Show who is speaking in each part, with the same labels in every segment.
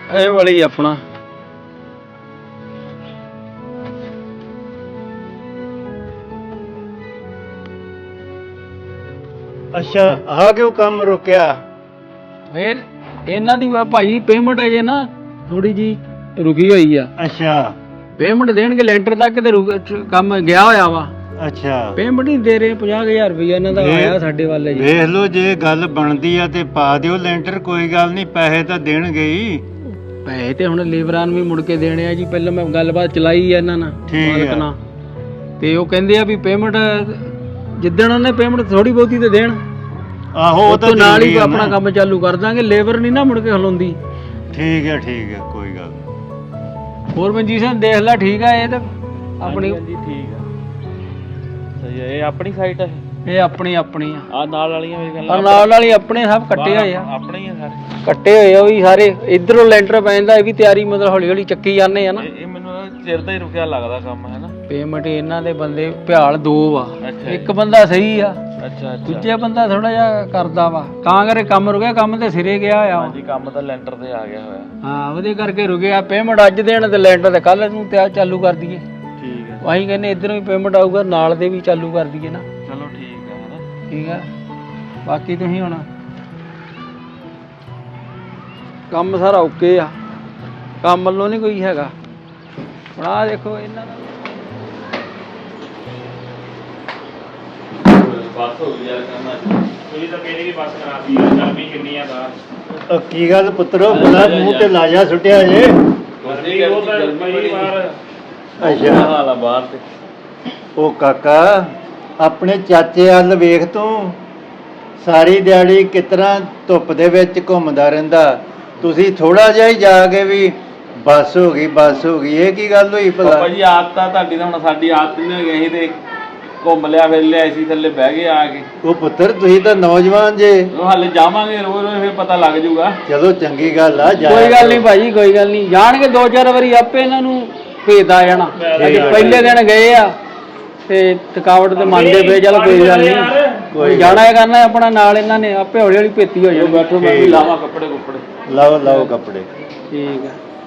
Speaker 1: ਇਹ ਵਾਲੀ ਆਪਣਾ
Speaker 2: ਅੱਛਾ ਆ ਕਿਉਂ ਕੰਮ ਰੁਕਿਆ?
Speaker 1: ਫੇਰ ਇਹਨਾਂ ਦੀ ਭਾਈ ਪੇਮੈਂਟ ਅਜੇ ਨਾ ਥੋੜੀ ਜੀ ਰੁਕੀ ਹੋਈ ਆ।
Speaker 2: ਅੱਛਾ
Speaker 1: ਪੇਮੈਂਟ ਦੇਣਗੇ ਲੈਂਟਰ ਤੱਕ ਤੇ ਕੰਮ ਗਿਆ ਹੋਇਆ ਵਾ।
Speaker 2: ਅੱਛਾ
Speaker 1: ਪੇਮੈਂਟ ਨਹੀਂ ਦੇ ਰਹੇ 50,000 ਰੁਪਇਆ ਇਹਨਾਂ ਦਾ ਆਇਆ ਸਾਡੇ ਵੱਲ ਜੀ।
Speaker 2: ਵੇਖ ਲਓ ਜੇ ਗੱਲ ਬਣਦੀ ਆ ਤੇ ਪਾ ਦਿਓ ਲੈਂਟਰ, ਕੋਈ ਗੱਲ ਨਹੀਂ, ਪੈਸੇ ਤਾਂ ਦੇਣਗੇ ਹੀ।
Speaker 1: ਪੈਸੇ ਤੇ ਹੁਣ ਲੇਬਰਾਂ ਨੂੰ ਵੀ ਮੁੜ ਕੇ ਦੇਣੇ ਆ ਜੀ। ਪਹਿਲਾਂ ਮੈਂ ਗੱਲਬਾਤ ਚਲਾਈ ਆ ਇਹਨਾਂ ਨਾਲ ਮਾਲਕ ਨਾਲ, ਤੇ ਉਹ ਕਹਿੰਦੇ ਆ ਵੀ ਪੇਮੈਂਟ ਜਿੱਦਣ ਉਹਨੇ ਪੇਮੈਂਟ ਥੋੜੀ ਬਹੁਤੀ ਤੇ ਦੇਣ।
Speaker 2: ਆਹੋ ਉਹ ਤਾਂ
Speaker 1: ਨਾਲ ਹੀ ਆਪਣਾ ਕੰਮ ਚਾਲੂ ਕਰ ਦਾਂਗੇ। ਲੇਬਰ ਨਹੀਂ ਨਾ ਮੁੜ ਕੇ ਹਲਾਉਂਦੀ।
Speaker 2: ਠੀਕ ਹੈ ਕੋਈ ਗੱਲ ਨਹੀਂ।
Speaker 1: ਹੋਰ ਮਨਜੀਤ ਸਿੰਘ ਦੇਖ ਲੈ, ਠੀਕ ਆ ਇਹ ਤਾਂ ਆਪਣੀ
Speaker 3: ਠੀਕ ਆ, ਸਹੀ ਆ। ਇਹ ਆਪਣੀ ਸਾਈਟ ਆ,
Speaker 1: ਇਹ ਆਪਣੀ ਆ।
Speaker 3: ਆ ਨਾਲ ਵਾਲੀਆਂ ਮੇਰੇ
Speaker 1: ਆ ਨਾਲ ਵਾਲੀ ਆਪਣੇ ਸਭ ਕੱਟੇ ਹੋਏ ਆ,
Speaker 3: ਆਪਣੇ ਹੀ ਆ ਸਾਰੇ
Speaker 1: ਕੱਟੇ ਹੋਏ ਆ ਉਹ ਵੀ ਸਾਰੇ। ਇਧਰੋਂ ਲੈਂਟਰ ਪੈਂਦਾ, ਇਹ ਵੀ ਤਿਆਰੀ ਮਤਲਬ ਹੌਲੀ ਹੌਲੀ ਚੱਕੀ ਜਾਂਦੇ ਆ ਨਾ।
Speaker 3: ਇਹ ਮੈਨੂੰ ਚਿਰ ਦਾ ਹੀ ਰੁਕਿਆ ਲੱਗਦਾ ਕੰਮ, ਹੈ ਨਾ।
Speaker 1: ਪੇਮੈਂਟ ਇਹਨਾਂ ਦੇ ਬੰਦੇ ਭਿਆਲ 2 ਆ।
Speaker 3: ਅੱਛਾ
Speaker 1: ਇੱਕ ਬੰਦਾ ਸਹੀ ਆ,
Speaker 3: ਅੱਛਾ
Speaker 1: ਦੂਜਾ ਬੰਦਾ ਥੋੜਾ ਜਿਹਾ ਕਰਦਾ ਵਾ, ਤਾਂ ਕਰਕੇ ਕੰਮ ਰੁਕਿਆ। ਕੰਮ ਤੇ ਸਿਰੇ ਗਿਆ ਆ।
Speaker 3: ਹਾਂਜੀ, ਕੰਮ ਤਾਂ ਲੈਂਟਰ ਤੇ ਆ ਗਿਆ ਹੋਇਆ।
Speaker 1: ਹਾਂ ਉਹਦੇ ਕਰਕੇ ਰੁਕਿਆ। ਪੇਮੈਂਟ ਅੱਜ ਦੇਣ ਤੇ ਲੈਂਟਰ ਤੇ ਕੱਲ ਨੂੰ ਤਿਆਰ ਚਾਲੂ ਕਰ ਦਈਏ।
Speaker 3: ਠੀਕ ਹੈ,
Speaker 1: ਅਸੀਂ ਕਹਿੰਦੇ ਇਧਰੋਂ ਵੀ ਪੇਮੈਂਟ ਆਊਗਾ, ਨਾਲ ਦੇ ਵੀ ਚਾਲੂ ਕਰ ਦਈਏ ਨਾ।
Speaker 3: ਚਲੋ ਠੀਕ ਹੈ, ਹੈ ਨਾ।
Speaker 1: ਠੀਕ ਆ। ਬਾਕੀ ਤੁਸੀਂ ਹੁਣ ਕੰਮ ਸਾਰਾ ਓਕੇ ਆ, ਕੰਮ ਵੱਲੋਂ ਨਹੀਂ ਕੋਈ ਹੈਗਾ। ਹੁਣ ਆਹ ਦੇਖੋ ਇਹਨਾਂ ਦਾ
Speaker 3: ਬਸ ਹੋ ਗਈ ਯਾਰ ਕਰਨਾ। ਤੁਸੀਂ ਤਾਂ ਕਹਿੰਦੇ ਕਿ ਬਸ ਕਰਾਤੀ ਯਾਰ, ਗਰਮੀ ਕਿੰਨੀ ਆ ਬਾਹਰ।
Speaker 2: ਕੀ ਗੱਲ ਪੁੱਤਰੋ, ਬੜਾ ਮੂੰਹ ਤੇ ਲਾਜਾ ਸੁੱਟਿਆ ਜੇ।
Speaker 3: ਗਰਮੀ ਉਹ ਤਾਂ ਬੜੀ ਬਾਹਰ
Speaker 2: ਅੱਛਾ
Speaker 3: ਹਾਲ ਆ ਬਾਹਰ ਤੇ।
Speaker 2: ਉਹ ਕਾਕਾ, ਆਪਣੇ ਚਾਚੇ ਵੱਲ ਵੇਖ ਤੂੰ, ਸਾਰੀ ਦਿਹਾੜੀ ਕਿਤਨਾ ਧੁੱਪ ਦੇ ਵਿੱਚ ਘੁੰਮਦਾ ਰਹਿੰਦਾ। ਤੁਸੀਂ ਥੋੜਾ ਜਿਹਾ ਹੀ ਜਾ ਕੇ ਵੀ ਬੱਸ ਹੋ ਗਈ, ਇਹ ਕੀ ਗੱਲ ਹੋਈ ਭਲਾ?
Speaker 3: ਪਾਪਾ ਜੀ ਆਦਤ ਆ ਤੁਹਾਡੀ, ਤਾਂ ਹੁਣ ਸਾਡੀ ਆਦਤ ਨਹੀਂ ਹੋ ਗਈ। ਅਸੀਂ ਤੇ ਘੁੰਮ ਲਿਆ, ਫਿਰ ਲਿਆ ਸੀ ਥੱਲੇ ਬਹਿ ਗਏ ਆ ਕੇ।
Speaker 2: ਉਹ ਪੁੱਤਰ ਤੁਸੀਂ ਤਾਂ ਨੌਜਵਾਨ ਜੇ,
Speaker 3: ਉਹ ਹਾਲੇ ਜਾਵਾਂਗੇ ਰੋਜ਼ ਰੋਜ਼, ਫਿਰ ਪਤਾ ਲੱਗ ਜਾਊਗਾ।
Speaker 2: ਚਲੋ ਚੰਗੀ ਗੱਲ ਆ।
Speaker 1: ਕੋਈ ਗੱਲ ਨਹੀਂ ਭਾਜੀ, ਕੋਈ ਗੱਲ ਨਹੀਂ। ਜਾਣਗੇ 2-4 ਵਾਰੀ ਆਪੇ ਇਹਨਾਂ ਨੂੰ ਭੇਜਦਾ ਜਾਣਾ। ਅੱਜ ਪਹਿਲੇ ਦਿਨ ਗਏ ਆ ਤੇ ਥਕਾਵਟ ਤੇ ਮੰਨਦੇ ਪਏ, ਚਲ ਕੋਈ ਗੱਲ ਨਹੀਂ, ਕੋਈ ਜਾਣਾ ਹੈ ਕਰਨਾ ਆਪਣਾ ਨਾਲ। ਇਹਨਾਂ ਨੇ ਆਪੇ ਹੌਲੀ ਹੌਲੀ ਭੇਤੀ ਹੋ ਜਾਊ।
Speaker 3: ਬੈਠੋ ਮੈਂ ਵੀ ਲਾਵਾਂ ਕੱਪੜੇ ਕੁੱਪੜੇ।
Speaker 2: ਲਾਓ ਕੱਪੜੇ।
Speaker 1: ਠੀਕ ਆ।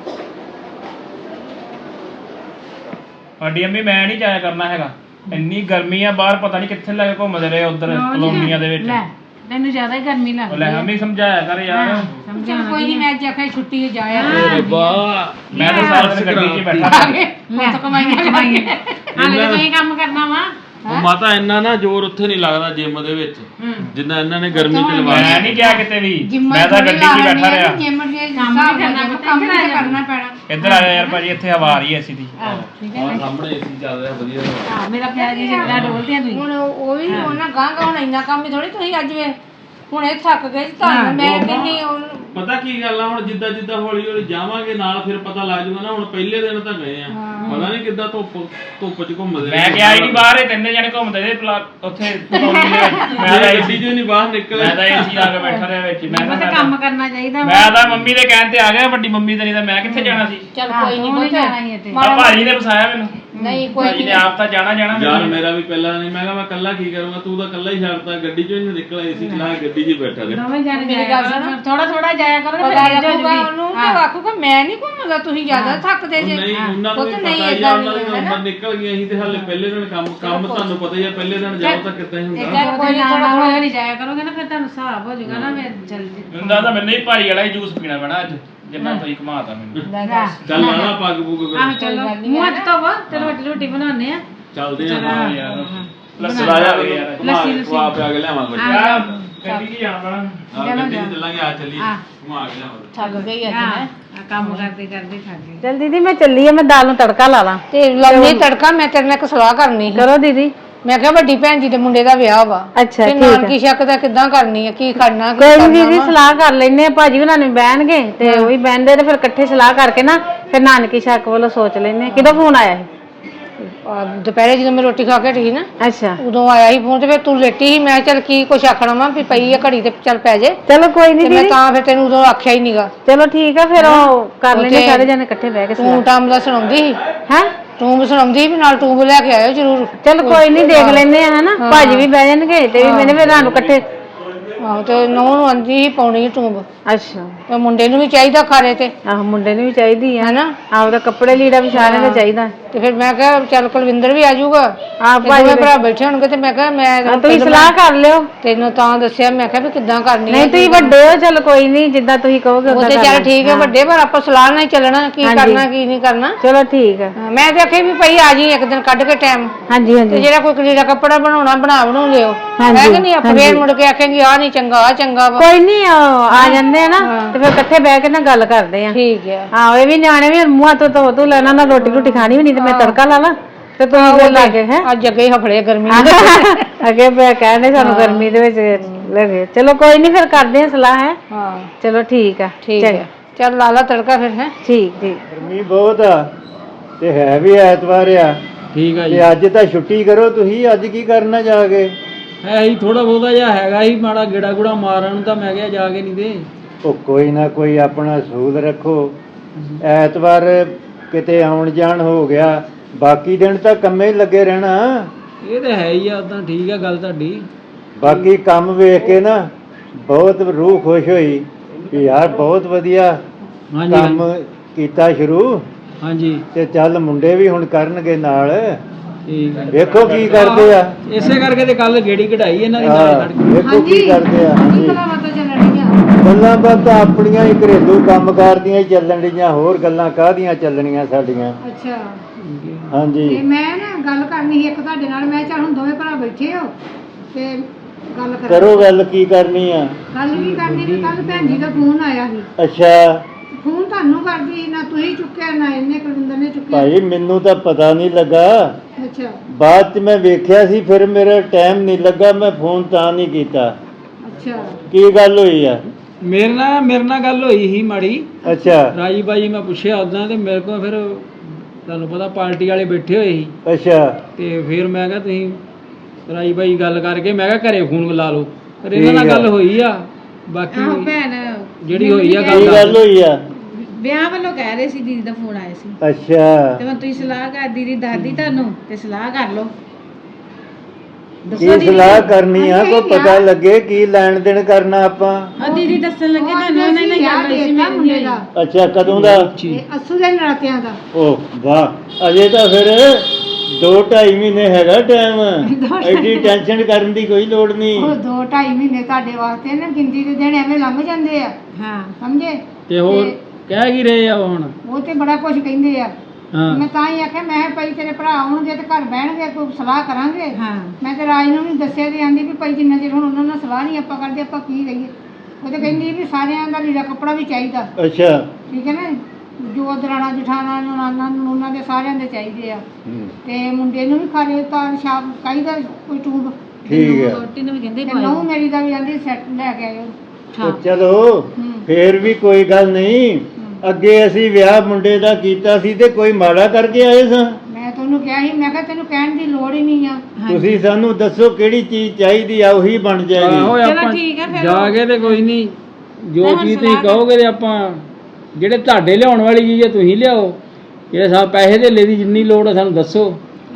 Speaker 4: ਸਾਡੀ ਅੰਮੀ ਮੈਂ ਨਹੀਂ ਜਾਇਆ ਕਰਨਾ ਹੈਗਾ, ਇੰਨੀ ਗਰਮੀ ਆ ਬਾਹਰ, ਪਤਾ ਨਹੀਂ ਕਿੱਥੇ ਲੈ ਕੇ ਘੁੰਮਦੇ ਰਹੇ ਉਧਰ ਕਲੋਨੀਆਂ ਦੇ ਵਿੱਚ।
Speaker 5: ਤੈਨੂੰ ਜ਼ਿਆਦਾ ਹੀ ਗਰਮੀ ਲੱਗਦੀ
Speaker 4: ਲੈ ਅੰਮੀ ਸਮਝਾਇਆ ਕਰ ਯਾਰ।
Speaker 5: ਚਲ ਕੋਈ ਨਹੀਂ, ਮੈਂ ਜਖੇ ਛੁੱਟੀ ਜਾਇਆ
Speaker 4: ਮੈਂ ਤਾਂ ਸਾਰਾ ਦਿਨ ਗੱਡੀ 'ਚ ਬੈਠਾ
Speaker 5: ਮੈਂ ਤਾਂ ਕਮਾਈਆਂ ਹਾਲੇ ਤੁਸੀਂ ਕੰਮ ਕਰਨਾ ਵਾ।
Speaker 3: ਉਹ ਮਾਤਾ ਇੰਨਾ ਨਾ ਜ਼ੋਰ ਉੱਥੇ ਨਹੀਂ ਲੱਗਦਾ ਜਿਮ ਦੇ ਵਿੱਚ, ਜਿੰਨਾ ਇਹਨਾਂ ਨੇ ਗਰਮੀ ਚ ਲਵਾਇਆ।
Speaker 4: ਮੈਂ ਨਹੀਂ ਗਿਆ ਕਿਤੇ ਵੀ, ਮੈਂ ਤਾਂ ਗੱਡੀ 'ਚ ਬੈਠਾ ਰਿਹਾ।
Speaker 5: ਕੰਮ ਕਰਨਾ ਪੈਣਾ।
Speaker 4: ਇੱਧਰ ਆ ਜਾ ਯਾਰ ਭਾਜੀ, ਇੱਥੇ ਹਵਾ ਆ ਰਹੀ ਹੈ ਏਸੀ ਦੀ।
Speaker 3: ਔਰ ਸਾਹਮਣੇ ਏਸੀ ਚੱਲ ਰਿਹਾ ਵਧੀਆ।
Speaker 5: ਹਾਂ ਮੇਰਾ ਪਿਆਰ ਜੀ ਜਿਹੜਾ ਡੋਲਦੇ ਆ ਤੁਸੀਂ। ਹੁਣ ਉਹ ਵੀ ਉਹਨਾਂ ਗਾਂ ਹੁਣ ਇੰਨਾ ਕੰਮ ਹੀ ਥੋੜੀ ਤੁਸੀਂ ਅੱਜ ਵੇ ਹੁਣ ਇਹ ਥੱਕ ਗਏ ਤੁਹਾਨੂੰ ਮੈਂ ਕਹਿੰਨੀ।
Speaker 3: ਪਤਾ ਕੀ ਗੱਲ ਆ, ਹੁਣ ਜਿੱਦਾਂ ਜਿੱਦਾਂ ਹੌਲੀ ਹੌਲੀ ਜਾਵਾਂਗੇ ਨਾਲ, ਫਿਰ ਪਤਾ ਲੱਗ ਜਾਊਗਾ ਨਾ। ਹੁਣ ਪਹਿਲੇ ਦਿਨ ਤਾਂ ਗਏ ਆ, ਪਤਾ ਨਹੀਂ ਕਿੱਦਾਂ ਧੁੱਪ ਚ ਘੁੰਮਦੇ।
Speaker 4: ਮੈਂ ਗਿਆ ਹੀ ਨਹੀਂ ਬਾਹਰ, ਇਹ ਤਿੰਨੇ ਜਣੇ ਘੁੰਮਦੇ ਰਹੇ ਉੱਥੇ ਕਲੋਨੀ ਦੇ ਵਿੱਚ। ਮੈਂ ਤਾਂ
Speaker 3: ਏਸੀ ਚੋਂ ਨਹੀਂ ਬਾਹਰ ਨਿਕਲੇ,
Speaker 4: ਮੈਂ ਤਾਂ ਏਸੀ ਆ ਕੇ ਬੈਠਾ ਰਿਹਾ ਵਿੱਚ। ਮੈਂ ਤਾਂ
Speaker 5: ਕੰਮ ਕਰਨਾ ਚਾਹੀਦਾ।
Speaker 4: ਮੈਂ ਤਾਂ ਮੰਮੀ ਦੇ ਕਹਿਣ ਤੇ ਆ ਗਿਆ, ਵੱਡੀ ਮੰਮੀ ਤੇ, ਨਹੀਂ ਤਾਂ ਮੈਂ ਕਿੱਥੇ ਜਾਣਾ ਸੀ।
Speaker 5: ਚਲ ਕੋਈ ਨਹੀਂ ਜਾਣਾ ਹੀ ਤੇ
Speaker 4: ਆ ਭਾਜੀ ਨੇ ਫਸਾਇਆ ਮੈਨੂੰ।
Speaker 5: ਨਹੀਂ ਕੋਈ
Speaker 4: ਭਾਜੀ ਨੇ ਆਪ ਤਾਂ ਜਾਣਾ
Speaker 3: ਯਾਰ ਮੇਰਾ ਵੀ ਪਹਿਲਾਂ ਨਹੀਂ। ਮੈਂ ਕਿਹਾ ਮੈਂ ਕੱਲਾ ਕੀ ਕਰੂੰਗਾ, ਤੂੰ ਤਾਂ ਕੱਲਾ ਹੀ ਛੱਡਤਾ, ਗੱਡੀ ਚੋਂ ਹੀ ਨਿਕਲਿਆ, ਏਸੀ ਚਲਾ ਕੇ ਗੱਡੀ 'ਚ ਬੈਠਾ ਰਿਹਾ।
Speaker 5: ਥੋੜਾ ਥੋੜਾ ਜਾਇਆ ਕਰੋ ਨਾ, ਫਿਰ ਉਹਨੂੰ ਤੇ ਆਖੂਗਾ ਮੈਂ ਨਹੀਂ ਘੁੰਮਦਾ, ਤੁਸੀਂ ਜ਼ਿਆਦਾ ਥੱਕਦੇ ਜੇ।
Speaker 3: ਨਹੀਂ ਉਹਨਾਂ ਨੂੰ ਵੀ ਪਤਾ ਹੀ ਆ, ਉਹਨਾਂ ਦੇ ਨੰਬਰ ਨਿਕਲ ਗਏ। ਅਸੀਂ ਤੇ ਹਾਲੇ ਪਹਿਲੇ ਦਿਨ ਕੰਮ ਤੁਹਾਨੂੰ ਪਤਾ ਹੀ ਆ, ਪਹਿਲੇ ਦਿਨ ਜਾਓ ਤਾਂ ਕਿੱਦਾਂ ਹੀ ਹੁੰਦਾ।
Speaker 5: ਕੋਈ ਥੋੜਾ ਥੋੜਾ ਨਹੀਂ ਜਾਇਆ ਕਰੋਗੇ ਨਾ, ਫਿਰ ਤੁਹਾਨੂੰ ਹਿਸਾਬ ਹੋ ਜਾਊਗਾ ਨਾ। ਮੈਂ ਜਲਦੀ
Speaker 4: ਹੁੰਦਾ ਤਾਂ ਮੈਨੂੰ ਹੀ ਭਾਰੀ ਵਾਲਾ ਹੀ ਜੂਸ ਪੀਣਾ ਪੈਣਾ ਅੱਜ, ਜਿੰਨਾ ਤੁਸੀਂ ਘਮਾਤਾ ਮੈਨੂੰ।
Speaker 3: ਚੱਲ ਲਾਣਾ ਪੱਗ ਪੁੱਗ ਫਿਰ।
Speaker 5: ਚਲੋ ਮੂੰਹ ਹੱਥ ਧੋਵੋ ਤੇ ਰੋਟੀ ਬਣਾਉਂਦੇ ਆ।
Speaker 3: ਚੱਲਦੇ ਆ
Speaker 4: ਯਾਰ
Speaker 3: ਲੱਸੀ ਲਾਇਆ ਖਵਾ ਪਿਆ ਕੇ ਲਿਆਵਾਂ ਕੁਝ।
Speaker 4: ਗੱਡੀ 'ਚ ਜਾਣਾ ਪੈਣਾ।
Speaker 3: ਗੱਡੀ 'ਚ ਚੱਲਾਂਗੇ, ਆ ਚੱਲੀ ਘੁਮਾ ਕੇ ਲਿਆਵਾਂ।
Speaker 5: ਥੱਕ ਗਈ ਅੱਜ ਮੈਂ ਕੰਮ ਕਰਦੇ ਕਰਦੇ ਥੱਕ ਗਈ।
Speaker 6: ਚਲ ਦੀਦੀ ਮੈਂ ਚੱਲੀ ਆ, ਮੈਂ ਦਾਲ ਨੂੰ ਤੜਕਾ ਲਾ ਲਾਂ।
Speaker 5: ਤੇ ਲਾਉਣੀ ਤੜਕਾ। ਮੈਂ ਤੇਰੇ ਨਾਲ ਇੱਕ ਸਲਾਹ ਕਰਨੀ ਸੀ।
Speaker 6: ਕਰੋ ਦੀਦੀ।
Speaker 5: ਮੈਂ ਕਿਹਾ ਵੱਡੀ ਭੈਣ ਜੀ ਦੇ ਮੁੰਡੇ ਦਾ ਵਿਆਹ ਵਾ,
Speaker 6: ਅੱਛਾ
Speaker 5: ਤੇ
Speaker 6: ਠੀਕ ਹੈ।
Speaker 5: ਨਾਨਕੀ ਸ਼ੱਕ ਦਾ ਕਿੱਦਾਂ ਕਰਨੀ ਹੈ, ਕੀ ਕਰਨਾ ਕੀ
Speaker 6: ਕੋਈ ਨੀ
Speaker 5: ਕਰਨਾ
Speaker 6: ਦੀਦੀ,
Speaker 5: ਵਾ।
Speaker 6: ਸਲਾਹ ਕਰ ਲੈਨੇ ਆ। ਭਾਜੀ ਉਹਨਾਂ ਨੂੰ ਬਹਿਣਗੇ ਤੇ ਉਹ ਵੀ ਬਹਿੰਦੇ, ਤੇ ਫਿਰ ਇਕੱਠੇ ਸਲਾਹ ਕਰਕੇ ਨਾ ਫਿਰ ਨਾਨਕੀ ਸ਼ੱਕ ਵੱਲੋਂ ਸੋਚ ਲੈਨੇ। ਕਿਦੋਂ ਫੋਨ ਆਇਆ ਸੀ?
Speaker 5: ਦੁਪਹਿਰੇ ਜਦੋਂ ਮੈਂ ਰੋਟੀ ਖਾ ਕੇ ਹਟੀ ਨਾ,
Speaker 6: ਅੱਛਾ
Speaker 5: ਉਦੋਂ ਆਇਆ ਸੀ ਫੋਨ। ਤੇ ਫਿਰ ਤੂੰ ਲੇਟੀ ਸੀ। ਮੈਂ ਚੱਲ ਕੀ ਕੁਛ ਆਖਣਾ ਵਾ ਵੀ ਪਈ ਆ ਘੜੀ ਤੇ ਚੱਲ ਪੈ ਜੇ।
Speaker 6: ਚਲੋ ਕੋਈ
Speaker 5: ਤੇ
Speaker 6: ਨਹੀਂ
Speaker 5: ਮੈਂ
Speaker 6: ਦੀਦੀ,
Speaker 5: ਤਾਂ ਫਿਰ ਤੈਨੂੰ ਉਦੋਂ ਆਖਿਆ ਹੀ ਨੀਗਾ।
Speaker 6: ਚਲੋ ਠੀਕ ਆ। ਫਿਰ ਉਹ ਕਰ ਲੈਨੇ
Speaker 5: ਉੱਥੇ
Speaker 6: ਸਾਰੇ ਜਣੇ ਇਕੱਠੇ ਬਹਿ ਕੇ
Speaker 5: ਤੂੰ
Speaker 6: ਸਲਾਹ।
Speaker 5: ਟਾਈਮ ਦਾ ਸੁਣਾਉਂਦੀ ਸੀ
Speaker 6: ਹੈ
Speaker 5: ਟੂਬ ਸੁਣਾਉਂਦੀ ਸੀ ਵੀ ਨਾਲ ਟੂਬ ਲੈ ਕੇ ਆਇਓ ਜ਼ਰੂਰ।
Speaker 6: ਚਲ ਕੋਈ ਨਹੀਂ, ਦੇਖ ਲੈਨੇ ਆ ਹਨਾ। ਭਾਜੀ ਵੀ ਬਹਿ ਜਾਣਗੇ ਤੇ ਵੀ ਮੈਨੇ ਫਿਰ ਤੁਹਾਨੂੰ ਇਕੱਠੇ
Speaker 5: ਆਹੋ ਤੇ ਨੌਂ ਨੂੰ ਆਂਦੀ ਸੀ ਪਾਉਣੀ ਟੂਬ
Speaker 6: ਅੱਛਾ
Speaker 5: ਤੇ ਮੁੰਡੇ ਨੂੰ ਵੀ ਚਾਹੀਦਾ ਖਾਰੇ ਤੇ
Speaker 6: ਆਹ ਮੁੰਡੇ ਨੂੰ ਵੀ ਚਾਹੀਦੀ ਆ
Speaker 5: ਹੈਨਾ
Speaker 6: ਆਪਦਾ ਕੱਪੜੇ ਲੀੜਾ ਵੀ ਸਾਰਿਆਂ ਦਾ ਚਾਹੀਦਾ
Speaker 5: ਤੇ ਫਿਰ ਮੈਂ ਕਿਹਾ ਚੱਲ ਕੁਲਵਿੰਦਰ ਵੀ ਆ ਜਾਊਗਾ
Speaker 6: ਆਹ
Speaker 5: ਤੇ ਦੋਵੇਂ ਭਰਾ ਬੈਠੇ ਹੋਣਗੇ ਤੇ ਮੈਂ ਕਿਹਾ ਮੈਂ
Speaker 6: ਤੁਸੀਂ ਸਲਾਹ ਕਰ ਲਿਓ
Speaker 5: ਤੈਨੂੰ ਤਾਂ ਦੱਸਿਆ ਮੈਂ ਕਿਹਾ ਵੀ ਕਿੱਦਾਂ ਕਰਨੀ
Speaker 6: ਨਹੀਂ ਤੁਸੀਂ ਵੱਡੇ ਹੋ ਚਲ ਕੋਈ ਨਹੀਂ ਜਿੱਦਾਂ ਤੁਸੀਂ ਕਹੋਗੇ
Speaker 5: ਉਹ
Speaker 6: ਉਦਾਂ
Speaker 5: ਤੇ
Speaker 6: ਕਰ
Speaker 5: ਚੱਲ
Speaker 6: ਲਾਂਗੇ।
Speaker 5: ਠੀਕ ਹੈ ਵੱਡੇ ਪਰ ਆਪਾਂ ਸਲਾਹ ਨਾਲ ਹੀ ਚੱਲਣਾ ਕੀ ਕਰਨਾ ਕੀ ਨਹੀਂ ਕਰਨਾ
Speaker 6: ਚਲੋ ਠੀਕ ਆ
Speaker 5: ਹਾਂ, ਮੈਂ ਤੇ ਆਖੇ ਵੀ ਭਈ ਆ ਜੀ ਇੱਕ ਦਿਨ ਕੱਢ ਕੇ ਟਾਈਮ
Speaker 6: ਹਾਂਜੀ
Speaker 5: ਤੇ
Speaker 6: ਹਾਂਜੀ
Speaker 5: ਜਿਹੜਾ ਕੋਈ ਕਲੀੜਾ ਕੱਪੜਾ ਬਣਾਉਣਾ ਬਣਾ ਲਿਓ
Speaker 6: ਹਾਂਜੀ,
Speaker 5: ਹੈ ਕਿ ਨਹੀਂ ਆਪਾਂ ਫੇਰ ਮੁੜ ਕੇ ਆਖਾਂਗੇ ਆ ਨਹੀਂ ਚੰਗਾ ਆ ਚੰਗਾ ਵਾ
Speaker 6: ਕੋਈ ਨਹੀਂ ਆ ਜਾਂਦੇ ਆ ਨਾ ਤੇ ਫਿਰ ਇਕੱਠੇ ਬਹਿ ਕੇ ਨਾ ਗੱਲ ਕਰਦੇ ਆ
Speaker 5: ਠੀਕ ਹੈ
Speaker 6: ਹਾਂ ਇਹ ਵੀ ਨਿਆਣੇ ਵੀ ਮੂੰਹਾਂ ਤੋਂ ਧੋ ਤੂੰ ਲੈਣਾ ਨਾ ਰੋਟੀ ਖਾਣੀ ਵੀ ਨਹੀਂ ਤੇ ਮੈਂ ਤੜਕਾ ਲਾ ਲਾਂ ਤੇ ਤੁਸੀਂ ਫਿਰ ਲਾ ਕੇ ਹੈ
Speaker 5: ਅੱਜ ਅੱਗੇ ਹੀ ਹਫੜੇ ਗਰਮੀ
Speaker 6: ਅੱਗੇ ਮੈਂ ਕਹਿੰਦੇ ਸਾਨੂੰ ਗਰਮੀ ਦੇ ਵਿੱਚ ਲੱਗੇ ਚਲੋ ਕੋਈ ਨਹੀਂ ਫਿਰ ਕਰਦੇ ਆ ਸਲਾਹ ਹੈ
Speaker 5: ਹਾਂ
Speaker 6: ਚਲੋ ਠੀਕ ਆ
Speaker 5: ਠੀਕ ਹੈ ਚੱਲ ਲਾ ਲਾ ਤੜਕਾ ਫਿਰ ਹੈ
Speaker 6: ਠੀਕ ਠੀਕ
Speaker 2: ਗਰਮੀ ਬਹੁਤ ਆ ਤੇ ਹੈ ਵੀ ਐਤਵਾਰ ਆ
Speaker 1: ਠੀਕ ਆ ਜੀ
Speaker 2: ਤੇ ਅੱਜ ਤਾਂ ਛੁੱਟੀ ਕਰੋ ਤੁਸੀਂ ਅੱਜ ਕੀ ਕਰਨਾ ਜਾ ਕੇ
Speaker 1: ਹੈ ਹੀ ਥੋੜਾ ਬਹੁਤਾ ਜਿਹਾ ਹੈਗਾ ਹੀ ਮਾੜਾ ਗੇੜਾ ਗੁੜਾ ਮਾਰਨ ਨੂੰ ਤਾਂ ਮੈਂ ਕਿਹਾ ਜਾ ਕੇ ਨਹੀਂ ਦੇ
Speaker 2: ਉਹ ਕੋਈ ਨਾ ਕੋਈ ਆਪਣਾ ਸੂਲ ਰੱਖੋ ਐਤਵਾਰ ਕਿਤੇ ਆਉਣ ਜਾਣ ਹੋ ਗਿਆ ਬਾਕੀ ਦਿਨ ਤਾਂ ਕੰਮੇ ਹੀ ਲੱਗੇ ਰਹਿਣਾ
Speaker 1: ਇਹ ਤਾਂ ਹੈ ਹੀ ਆ ਉਦਾਂ ਠੀਕ ਆ ਗੱਲ ਤੁਹਾਡੀ
Speaker 2: ਬਾਕੀ ਕੰਮ ਵੇਖ ਕੇ ਨਾ ਬਹੁਤ ਰੂਹ ਖੁਸ਼ ਹੋਈ ਕਿ ਯਾਰ ਬਹੁਤ ਵਧੀਆ
Speaker 1: ਹਾਂਜੀ
Speaker 2: ਕੰਮ ਕੀਤਾ ਸ਼ੁਰੂ
Speaker 1: ਹਾਂਜੀ
Speaker 2: ਤੇ ਚੱਲ ਮੁੰਡੇ ਵੀ ਹੁਣ ਕਰਨਗੇ ਨਾਲ
Speaker 1: ਠੀਕ ਆ
Speaker 2: ਵੇਖੋ ਕੀ ਕਰਦੇ ਆ
Speaker 1: ਇਸੇ ਕਰਕੇ ਤੇ ਕੱਲ ਗੇੜੀ ਕਢਾਈ ਇਹਨਾਂ ਦੀ ਨਾਲੇ ਖੜ ਕੇ
Speaker 2: ਵੇਖੋ ਕੀ ਕਰਦੇ ਆ ਹਾਂਜੀ
Speaker 5: ਮਾਤਾ ਚੱਲਣ ਡੀਆਂ
Speaker 2: ਗੱਲਾਂ ਬਾਤਾਂ ਆਪਣੀਆਂ ਹੀ ਘਰੇਲੂ ਕੰਮਕਾਰ ਦੀਆਂ ਹੀ ਚੱਲਣ ਡੀਆਂ ਹੋਰ ਗੱਲਾਂ ਕਾਹਦੀਆਂ ਚੱਲਣੀਆਂ ਸਾਡੀਆਂ
Speaker 5: ਅੱਛਾ
Speaker 2: ਹਾਂਜੀ
Speaker 5: ਤੇ ਮੈਂ ਨਾ ਗੱਲ ਕਰਨੀ ਸੀ ਇੱਕ ਤੁਹਾਡੇ ਨਾਲ ਮੈਂ ਚੱਲ ਹੁਣ ਦੋਵੇਂ ਭਰਾ ਬੈਠੇ ਹੋ ਤੇ ਗੱਲ
Speaker 2: ਕਰੋ ਗੱਲ ਕੀ ਕਰਨੀ ਆ
Speaker 5: ਗੱਲ ਕੀ ਕਰਨੀ ਵੀ ਕੱਲ ਭੈਣ ਜੀ ਦਾ ਫੋਨ ਆਇਆ ਸੀ
Speaker 2: ਅੱਛਾ
Speaker 5: ਫੋਨ ਤੁਹਾਨੂੰ ਕਰਦੀ ਨਾ ਤੁਸੀਂ ਚੁੱਕਿਆ ਨਾ ਇਹਨੇ ਕੁਲਵਿੰਦਰ ਨੇ ਚੁੱਕਿਆ
Speaker 2: ਭਾਈ ਮੈਨੂੰ ਤਾਂ ਪਤਾ ਨਹੀਂ ਲੱਗਾ
Speaker 5: ਅੱਛਾ
Speaker 2: ਬਾਅਦ ਚ ਮੈਂ ਵੇਖਿਆ ਸੀ ਫਿਰ ਮੇਰਾ ਟਾਈਮ ਨਹੀਂ ਲੱਗਾ ਮੈਂ ਫੋਨ ਤਾਂ ਨਹੀਂ ਕੀਤਾ
Speaker 5: ਅੱਛਾ
Speaker 2: ਕੀ ਗੱਲ ਹੋਈ ਆ
Speaker 1: ਮੇਰੇ ਨਾਲ ਗੱਲ ਹੋਈ ਸੀ ਮਾੜੀ
Speaker 2: ਅੱਛਾ
Speaker 1: ਰਾਜੀ ਬਾਜੀ ਮੈਂ ਪੁੱਛਿਆ ਉਦਾਂ ਤੇ ਮੇਰੇ ਕੋਲ ਫਿਰ ਤੁਹਾਨੂੰ ਪਤਾ ਪਾਰਟੀ ਵਾਲੇ ਬੈਠੇ ਹੋਏ ਸੀ
Speaker 2: ਅੱਛਾ
Speaker 1: ਤੇ ਫਿਰ ਮੈਂ ਕਿਹਾ ਤੁਸੀਂ ਰਾਜੀ ਬਾਜੀ ਗੱਲ ਕਰਕੇ ਮੈਂ ਕਿਹਾ ਘਰੇ ਫੋਨ ਲਾ ਲਓ ਫਿਰ ਇਹਨਾਂ ਨਾਲ
Speaker 2: ਠੀਕ ਆ।
Speaker 1: ਗੱਲ ਹੋਈ ਆ ਬਾਕੀ
Speaker 7: ਭੈਣ
Speaker 1: ਜਿਹੜੀ ਹੋਈ ਆ
Speaker 2: ਕੀ ਗੱਲ ਹੋਈ ਆ
Speaker 7: ਵਿਆਹ ਵੱਲੋਂ ਕਹਿ ਰਹੇ ਸੀ ਦੀਦੀ ਦਾ ਫੋਨ ਆਇਆ ਸੀ
Speaker 2: ਅੱਛਾ
Speaker 7: ਤੇ ਹੁਣ ਤੁਸੀਂ ਸਲਾਹ ਕਰ ਦੀਦੀ ਦੱਸਦੀ ਤੁਹਾਨੂੰ ਤੇ ਸਲਾਹ ਕਰ ਲਓ
Speaker 2: ਕੀ ਸਲਾਹ ਕਰਨੀ ਆ ਕੋਈ ਪਤਾ ਲੱਗੇ ਕੀ ਲੈਣ ਦੇਣ ਕਰਨਾ ਆਪਾਂ
Speaker 7: ਆ ਦੀਦੀ ਦੱਸਣ ਲੱਗੇ ਤੁਹਾਨੂੰ ਉਹਨਾਂ ਨੇ ਗੱਲ ਹੋਈ ਸੀ
Speaker 5: ਮੁੰਡੇ ਦਾ
Speaker 2: ਅੱਛਾ ਕਦੋਂ ਦਾ
Speaker 5: ਤੇ ਅਸੂ ਦੇ ਨਰਾਤਿਆਂ ਦਾ
Speaker 2: ਓ ਵਾਹ ਅਜੇ ਤਾਂ ਫਿਰ 2-2.5 ਮਹੀਨੇ ਹੈਗਾ ਟਾਈਮ ਐਡੀ ਟੈਨਸ਼ਨ ਕਰਨ ਦੀ ਕੋਈ ਲੋੜ ਨਹੀਂ
Speaker 5: ਉਹ 2-2.5 ਮਹੀਨੇ ਤੁਹਾਡੇ ਵਾਸਤੇ ਨਾ ਗਿਣਤੀ ਦੇ ਦਿਨ ਐਵੇਂ ਲੰਘ ਜਾਂਦੇ ਆ
Speaker 7: ਹਾਂ
Speaker 5: ਸਮਝੇ
Speaker 1: ਤੇ ਹੋਰ ਕਹਿ ਕੀ ਰਹੇ ਆ ਉਹ ਹੁਣ
Speaker 5: ਉਹ ਤੇ ਬੜਾ ਕੁਝ ਕਹਿੰਦੇ ਆ
Speaker 1: ਹਾਂ
Speaker 5: ਮੈਂ ਤਾਂ ਹੀ ਆਖਿਆ ਮੈਂ ਕਿਹਾ ਭਾਈ ਤੇਰੇ ਭਰਾ ਆਉਣਗੇ ਤੇ ਘਰ ਬਹਿਣਗੇ ਕੋਈ ਸਲਾਹ ਕਰਾਂਗੇ
Speaker 7: ਹਾਂ
Speaker 5: ਮੈਂ ਤੇ ਰਾਜ ਨੂੰ ਵੀ ਦੱਸਿਆ ਤੇ ਆਂਦੀ ਵੀ ਭਾਈ ਜਿੰਨਾ ਚਿਰ ਹੁਣ ਉਹਨਾਂ ਨਾਲ ਸਲਾਹ ਨਹੀਂ ਆਪਾਂ ਕਰਦੇ ਆਪਾਂ ਕੀ ਕਹੀਏ ਉਹ ਤੇ ਕਹਿੰਦੀ ਵੀ ਸਾਰਿਆਂ ਦਾ ਲੀੜਾ ਕੱਪੜਾ ਵੀ ਚਾਹੀਦਾ
Speaker 2: ਅੱਛਾ
Speaker 5: ਠੀਕ ਹੈ ਨਾ ਜੋ ਦਰਾਣਾ ਜਠਾਣਾ ਨਨਾਨਾ ਨੂੰ ਉਹਨਾਂ ਦੇ ਸਾਰਿਆਂ ਦੇ ਚਾਹੀਦੇ ਆ ਤੇ ਮੁੰਡੇ ਨੂੰ ਵੀ ਖਾਲੇ ਤਾਂ ਛਾਪ ਚਾਹੀਦਾ ਕੋਈ ਟੂਬ
Speaker 2: ਠੀਕ ਹੈ
Speaker 7: ਰੋਟੀ ਨੂੰ ਵੀ ਕਹਿੰਦੇ
Speaker 5: ਤੇ ਨਹੁੰ ਮੇਰੀ ਦਾ ਵੀ ਆਂਦੀ ਸੈੱਟ ਲੈ ਕੇ ਆਇਓ
Speaker 2: ਉਹ ਚਲੋ ਫੇਰ ਵੀ ਕੋਈ ਗੱਲ ਨਹੀਂ ਅੱਗੇ ਅਸੀਂ ਵਿਆਹ ਮੁੰਡੇ ਦਾ ਕੀਤਾ ਸੀ ਤੇ ਕੋਈ ਮਾੜਾ ਕਰਕੇ ਆਏ ਸਾਂ
Speaker 5: ਮੈਂ ਤੁਹਾਨੂੰ ਕਿਹਾ ਸੀ ਮੈਂ ਕਿਹਾ ਤੈਨੂੰ ਕਹਿਣ ਦੀ ਲੋੜ ਹੀ ਨਹੀਂ ਆ
Speaker 2: ਤੁਸੀਂ ਸਾਨੂੰ ਦੱਸੋ ਕਿਹੜੀ ਚੀਜ਼ ਚਾਹੀਦੀ ਆ ਉਹੀ ਬਣ
Speaker 1: ਆਹੋ
Speaker 2: ਜਾਏਗੀ
Speaker 1: ਆਪਾਂ
Speaker 7: ਠੀਕ ਆ ਫਿਰ
Speaker 1: ਜਾ ਕੇ ਤੇ ਕੋਈ ਨਹੀਂ ਜੋ ਚੀਜ਼ ਤੁਸੀਂ ਕਹੋਗੇ ਤੇ ਆਪਾਂ ਜਿਹੜੇ ਤੁਹਾਡੇ ਲਿਆਉਣ ਵਾਲੀ ਚੀਜ਼ ਹੈ ਤੁਸੀਂ ਲਿਆਓ ਜਿਹੜੇ ਸਾਨੂੰ ਪੈਸੇ ਧੇਲੇ ਦੀ ਜਿੰਨੀ ਲੋੜ ਹੈ ਸਾਨੂੰ ਦੱਸੋ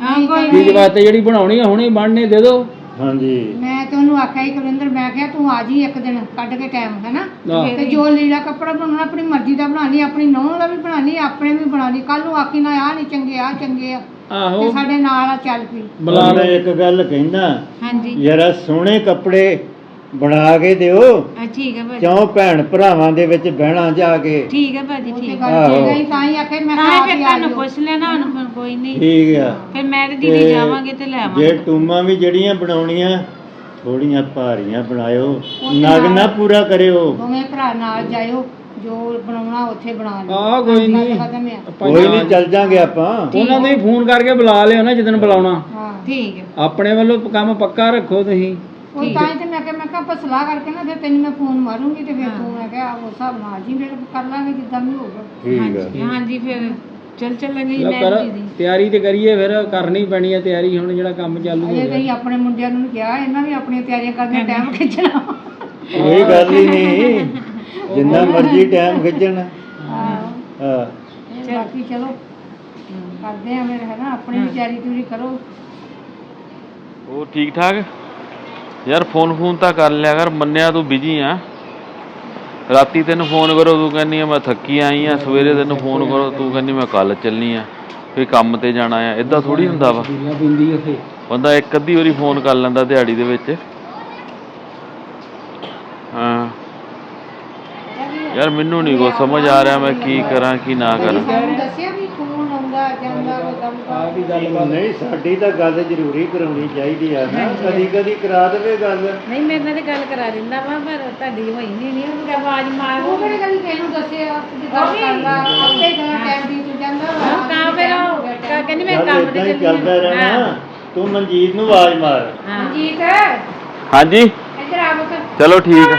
Speaker 1: ਚੀਜ਼ ਵਾਸਤੇ ਜਿਹੜੀ ਬਣਾਉਣੀ ਹੈ ਹੁਣੇ ਬਣਨੇ ਦੇ ਦਿਓ
Speaker 2: ਹਾਂਜੀ
Speaker 5: ਮੈਂ ਤੇ ਉਹਨੂੰ ਆਖਿਆ ਸੀ ਕੁਲਿੰਦਰ ਮੈਂ ਕਿਹਾ ਤੂੰ ਆ ਜੀ ਇੱਕ ਦਿਨ ਕੱਢ ਕੇ ਟਾਈਮ ਹੈਨਾ ਤੇ ਜੋ ਲੀੜਾ ਕੱਪੜਾ ਬਣਾਉਣਾ ਆਪਣੀ ਮਰਜ਼ੀ ਦਾ ਬਣਾ ਲਈ ਆਪਣੀ ਨਹੁੰ ਦਾ ਵੀ ਬਣਾ ਲਈ ਆਪਣੇ ਵੀ ਬਣਾ ਲਈ ਕੱਲ ਨੂੰ ਆਖੀ ਨਾ ਆ ਨਹੀਂ ਚੰਗੇ ਆ ਚੰਗੇ ਆ
Speaker 1: ਆਹੋ
Speaker 5: ਤੇ ਸਾਡੇ ਨਾਲ ਆ ਚੱਲ ਪਈ
Speaker 1: ਬੁਲਾ
Speaker 2: ਮੈਂ ਇੱਕ ਗੱਲ ਕਹਿੰਦਾ
Speaker 7: ਹਾਂਜੀ
Speaker 2: ਜਰਾ ਸੋਹਣੇ ਕੱਪੜੇ ਬਣਾ ਕੇ ਦਿਓ
Speaker 7: ਠੀਕ ਹੈ ਭਾਜੀ
Speaker 2: ਕਿਉਂ ਭੈਣ ਭਰਾਵਾਂ ਦੇ ਵਿੱਚ ਬਹਿਣਾ ਜਾ ਕੇ
Speaker 7: ਠੀਕ ਹੈ ਭਾਜੀ
Speaker 5: ਉਹ ਤੇ
Speaker 7: ਠੀਕ
Speaker 5: ਗੱਲ
Speaker 2: ਆਹੋ।
Speaker 5: ਠੀਕ ਹੈ ਤਾਂ ਹੀ ਆਖਿਆ ਮੈਂ
Speaker 7: ਤਾਂ
Speaker 5: ਕਿਹਾ
Speaker 7: ਫਿਰ
Speaker 5: ਆਪ ਹੀ ਆ
Speaker 7: ਤੁਹਾਨੂੰ
Speaker 5: ਜਾਇਓ।
Speaker 7: ਪੁੱਛ ਲੈਣਾ ਹੁਣ ਕੋਈ ਨਹੀਂ
Speaker 2: ਠੀਕ ਆ
Speaker 7: ਫਿਰ ਮੈਂ ਤੇ ਦੀਦੀ ਜਾਵਾਂਗੇ ਤੇ ਲੈ
Speaker 2: ਜੇ
Speaker 7: ਆਵਾਂਗੇ
Speaker 2: ਟੂਮਾਂ ਵੀ ਜਿਹੜੀਆਂ ਬਣਾਉਣੀਆਂ ਥੋੜੀਆਂ ਭਾਰੀਆਂ ਬਣਾਇਓ ਨਗ ਨਾ ਪੂਰਾ ਕਰਿਓ
Speaker 5: ਦੋਵੇਂ ਭਰਾ ਨਾਲ ਜਾਇਓ ਜੋ ਬਣਾਉਣਾ ਉੱਥੇ ਬਣਾ ਲਿਓ
Speaker 1: ਆਹ ਕੋਈ ਨਹੀਂ
Speaker 5: ਖਤਮ ਆ
Speaker 2: ਕੋਈ ਨਹੀਂ ਚੱਲ ਜਾਂਗੇ ਆਪਾਂ
Speaker 1: ਉਹਨਾਂ ਨੂੰ ਵੀ ਫੋਨ ਕਰਕੇ ਬੁਲਾ ਲਿਓ ਨਾ ਜਦੋਂ ਬੁਲਾਉਣਾ
Speaker 5: ਹਾਂ
Speaker 7: ਠੀਕ ਹੈ
Speaker 1: ਆਪਣੇ ਵੱਲੋਂ ਕੰਮ ਪੱਕਾ ਰੱਖੋ ਤੁਸੀਂ
Speaker 5: ਉਹ ਤਾਂ ਹੀ ਤੇ ਮੈਂ ਕਿਹਾ ਆਪਾਂ ਸਲਾਹ ਕਰਕੇ ਨਾ ਫਿਰ ਤੈਨੂੰ ਮੈਂ ਫੋਨ ਮਾਰੂੰਗੀ ਤੇ ਫਿਰ ਤੂੰ ਮੈਂ ਕਿਹਾ ਉਸ ਹਿਸਾਬ ਨਾਲ ਆ ਜੀ ਫਿਰ ਕਰ ਲਾਂਗੇ ਜਿੱਦਾਂ ਵੀ ਹੋਊਗਾ
Speaker 2: ਠੀਕ ਆ
Speaker 7: ਹਾਂਜੀ ਫਿਰ ਚੱਲਾਂਗੇ ਜੀ
Speaker 1: ਲਓ
Speaker 7: ਮੈਂ
Speaker 1: ਕਰ
Speaker 7: ਦੀਦੀ
Speaker 1: ਤਿਆਰੀ ਤੇ ਕਰੀਏ ਫਿਰ ਕਰਨੀ ਪੈਣੀ ਹੈ ਤਿਆਰੀ ਹੁਣ ਜਿਹੜਾ ਕੰਮ ਚਾਲੂ ਹੋ
Speaker 5: ਅਜੇ
Speaker 1: ਗਿਆ
Speaker 5: ਤਾਂ ਆਪਣੇ ਮੁੰਡਿਆਂ ਨੂੰ ਕਿਹਾ ਇਹਨਾਂ ਵੀ ਆਪਣੀਆਂ ਤਿਆਰੀਆਂ ਕਰਨੀਆਂ ਟਾਈਮ ਖਿੱਚਣਾ
Speaker 2: ਕੋਈ ਗੱਲ ਹੀ ਨਹੀਂ ਜਿੰਨਾ ਮਰਜ਼ੀ ਟਾਈਮ ਖਿੱਚਣ ਹਾਂ
Speaker 5: ਤੇ ਬਾਕੀ ਚਲੋ ਕਰਦੇ ਆ ਫਿਰ ਹੈ ਨਾ ਆਪਣੀ ਵੀ ਤਿਆਰੀ ਤਿਉਰੀ ਕਰੋ
Speaker 3: ਉਹ ਠੀਕ ਠਾਕ ਯਾਰ ਫੋਨ ਤਾਂ ਕਰ ਲਿਆ ਕਰ, ਮੰਨਿਆ ਤੂੰ ਬਿਜੀ ਆ। ਰਾਤੀ ਤੈਨੂੰ ਫੋਨ ਕਰੋ ਤੂੰ ਕਹਿੰਦੀ ਆ ਮੈਂ ਥੱਕੀ ਆਈ ਆ, ਸਵੇਰੇ ਤੈਨੂੰ ਫੋਨ ਕਰੋ ਤੂੰ ਕਹਿੰਦੀ ਮੈਂ ਕੱਲ ਚੱਲਣੀ ਆ, ਫਿਰ ਕੰਮ ਤੇ ਜਾਣਾ ਆ। ਇਦਾਂ ਥੋੜੀ ਹੁੰਦਾ ਵਾ, ਬੰਦਾ ਇੱਕ ਅੱਧੀ ਵਾਰੀ ਫੋਨ ਕਰ ਲੈਂਦਾ ਦਿਹਾੜੀ ਦੇ ਵਿੱਚ। ਹਾਂ ਯਾਰ ਮੈਨੂੰ ਨਹੀਂ ਕੁਛ ਸਮਝ ਆ ਰਿਹਾ ਮੈਂ ਕੀ ਕਰਾਂ ਕੀ ਨਾ ਕਰਾਂ।
Speaker 5: ਸਾਨੂੰ ਦੱਸਿਆ ਵੀ ਫੋਨ ਆਉਂਦਾ ਜਾਂਦਾ ਕੋਈ ਕੰਮ
Speaker 2: ਨਹੀਂ ਸਾਡੀ ਤਾਂ ਗੱਲ ਜ਼ਰੂਰੀ ਕਰਾਉਣੀ ਚਾਹੀਦੀ ਆ ਨਾ, ਕਦੀ ਕਦੀ ਕਰਾ ਦੇਵੇ ਗੱਲ।
Speaker 7: ਨਹੀਂ ਮੇਰੇ ਨਾਲ ਤੇ ਗੱਲ ਕਰਾ ਦਿੰਦਾ ਵਾ, ਪਰ ਤੁਹਾਡੀ ਹੋਈ ਨਹੀਂ ਉਹਨੂੰ ਆਵਾਜ਼ ਮਾਰ।
Speaker 5: ਉਹ ਕਿਹੜੇ ਕਦੀ ਤੈਨੂੰ ਦੱਸਿਆ ਕਿ ਗੱਲ ਕਰਦਾ ਆਪੇ ਦਾ ਟਾਈਮ ਬੀਤ ਜਾਂਦਾ ਵਾ।
Speaker 7: ਤਾਂ ਫਿਰ ਉਹ ਕਹਿੰਦੀ ਮੈਂ
Speaker 2: ਚੱਲ
Speaker 7: ਕੰਮ
Speaker 2: ਏਦਾਂ
Speaker 7: ਤੇ
Speaker 2: ਹੀ ਚੱਲਦਾ ਰਹਿਣਾ। ਤੂੰ ਮਨਜੀਤ ਨੂੰ ਆਵਾਜ਼ ਮਾਰ।
Speaker 5: ਮਨਜੀਤ
Speaker 3: ਹਾਂਜੀ
Speaker 5: ਇੱਧਰ ਆ ਬਕ।
Speaker 3: ਚਲੋ ਠੀਕ ਆ।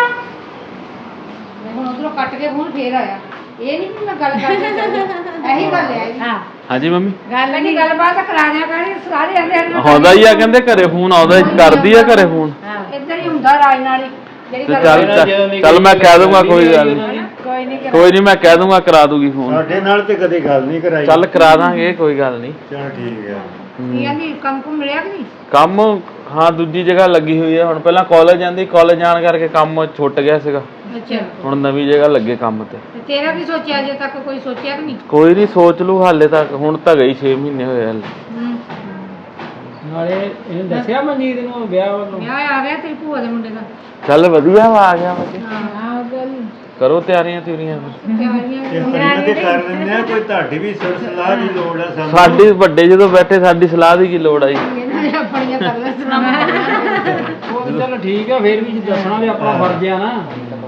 Speaker 5: ਹੁਣ ਉਧਰੋਂ ਕੱਟ ਕੇ ਫੋਨ ਫੇਰ ਆਇਆ। ਇਹ ਨਹੀਂ ਵੀ ਮੈਂ ਗੱਲ ਕਰਦੀ ਇਹੀ ਗੱਲ ਹੈ।
Speaker 7: ਹਾਂ
Speaker 3: ਹਾਂਜੀ ਮੰਮੀ
Speaker 5: ਗੱਲ ਨਹੀਂ ਗੱਲਬਾਤ ਕਰਾ ਦਿਆ ਕਰ ਸਾਰੇ ਆਂਦੇ
Speaker 3: ਆਉਂਦਾ ਹੀ ਆ, ਕਹਿੰਦੇ ਘਰੇ ਫੋਨ ਆਉਂਦਾ, ਕਰਦੀ ਆ ਘਰੇ ਫੋਨ।
Speaker 5: ਇੱਧਰ ਹੀ ਹੁੰਦਾ ਰਾਜ ਨਾਲ ਹੀ ਜਿਹੜੀ
Speaker 3: ਤੇ
Speaker 5: ਗੱਲ
Speaker 3: ਚੱਲ ਮੈਂ ਕਹਿ ਦੂੰਗਾ ਕੋਈ ਗੱਲ ਨਹੀਂ,
Speaker 7: ਕੋਈ ਨਹੀਂ
Speaker 3: ਕੋਈ ਨਹੀਂ ਮੈਂ ਕਹਿ ਦੂੰਗਾ ਕਰਾ ਦੂਗੀ ਫੋਨ।
Speaker 2: ਸਾਡੇ ਨਾਲ ਤੇ ਕਦੇ ਗੱਲ ਨਹੀਂ ਕਰਾਈ।
Speaker 3: ਚੱਲ ਕਰਾ ਦਾਂਗੇ ਕੋਈ ਗੱਲ ਨਹੀਂ।
Speaker 2: ਚਲ ਠੀਕ ਹੈ।
Speaker 5: ਕੀ ਕਹਿੰਦੀ ਕੰਮ ਕੁਮ ਮਿਲਿਆ ਕਿ ਨਹੀਂ?
Speaker 3: ਕੰਮ ਹਾਂ ਦੂਜੀ ਜਗ੍ਹਾ ਲੱਗੀ ਹੋਈ ਹੈ। ਹੁਣ ਪਹਿਲਾਂ ਕਾਲਜ ਜਾਂਦੀ, ਕਾਲਜ ਜਾਣ ਕਰਕੇ ਕੰਮ ਛੁੱਟ ਗਿਆ ਸੀਗਾ,
Speaker 5: ਅੱਛਾ
Speaker 3: ਹੁਣ ਨਵੀਂ ਜਗ੍ਹਾ ਲੱਗੇ ਕੰਮ ਤੇ।
Speaker 5: ਤੇ ਤੇਰਾ ਕੀ ਸੋਚਿਆ ਅਜੇ ਤੱਕ ਕੋਈ ਸੋਚਿਆ ਕਿ ਨਹੀਂ?
Speaker 3: ਕੋਈ ਨਹੀਂ ਸੋਚ ਲੂ ਹਾਲੇ ਤੱਕ, ਹੁਣ ਤਾਂ ਗਈ 6 ਮਹੀਨੇ ਹੋਏ ਹਲੇ।
Speaker 1: ਨਾਲੇ ਇਹਨੂੰ ਦੱਸਿਆ ਮਨਜੀਤ ਨੂੰ ਵਿਆਹ ਵੱਲੋਂ?
Speaker 5: ਵਿਆਹ ਆ ਗਿਆ ਤੇਰੀ ਭੂਆ ਦੇ ਮੁੰਡੇ ਦਾ।
Speaker 3: ਚੱਲ ਵਧੀਆ ਵਾ, ਆ ਗਿਆ ਬੱਚੇ।
Speaker 5: ਹਾਂ ਗੱਲ
Speaker 3: ਕਰੋ ਤਿਆਰੀਆਂ ਤਿਉਰੀਆਂ ਫਿਰ।
Speaker 5: ਤਿਆਰੀਆਂ
Speaker 2: ਇਹ ਪਰੀਆਂ ਤੇ ਕਰ ਲੈਂਦੇ ਆ, ਕੋਈ ਤੁਹਾਡੀ ਵੀ ਸੁਰ ਸਲਾਹ ਦੀ ਲੋੜ ਆ ਸਾਨੂੰ।
Speaker 3: ਸਾਡੀ ਵੱਡੇ ਜਦੋਂ ਬੈਠੇ ਸਾਡੀ ਸਲਾਹ ਦੀ ਕੀ ਲੋੜ ਆਈ।
Speaker 5: ਇਹਨਾਂ ਨੇ ਆਪਣੀਆਂ ਕਰ ਲੈ ਸੁਣਾ।
Speaker 1: ਉਹ ਤਾਂ ਚਲੋ ਠੀਕ ਆ, ਫਿਰ ਵੀ ਦੱਸਣਾ ਵੀ ਆਪਣਾ ਫਰਜ਼ ਆ ਨਾ।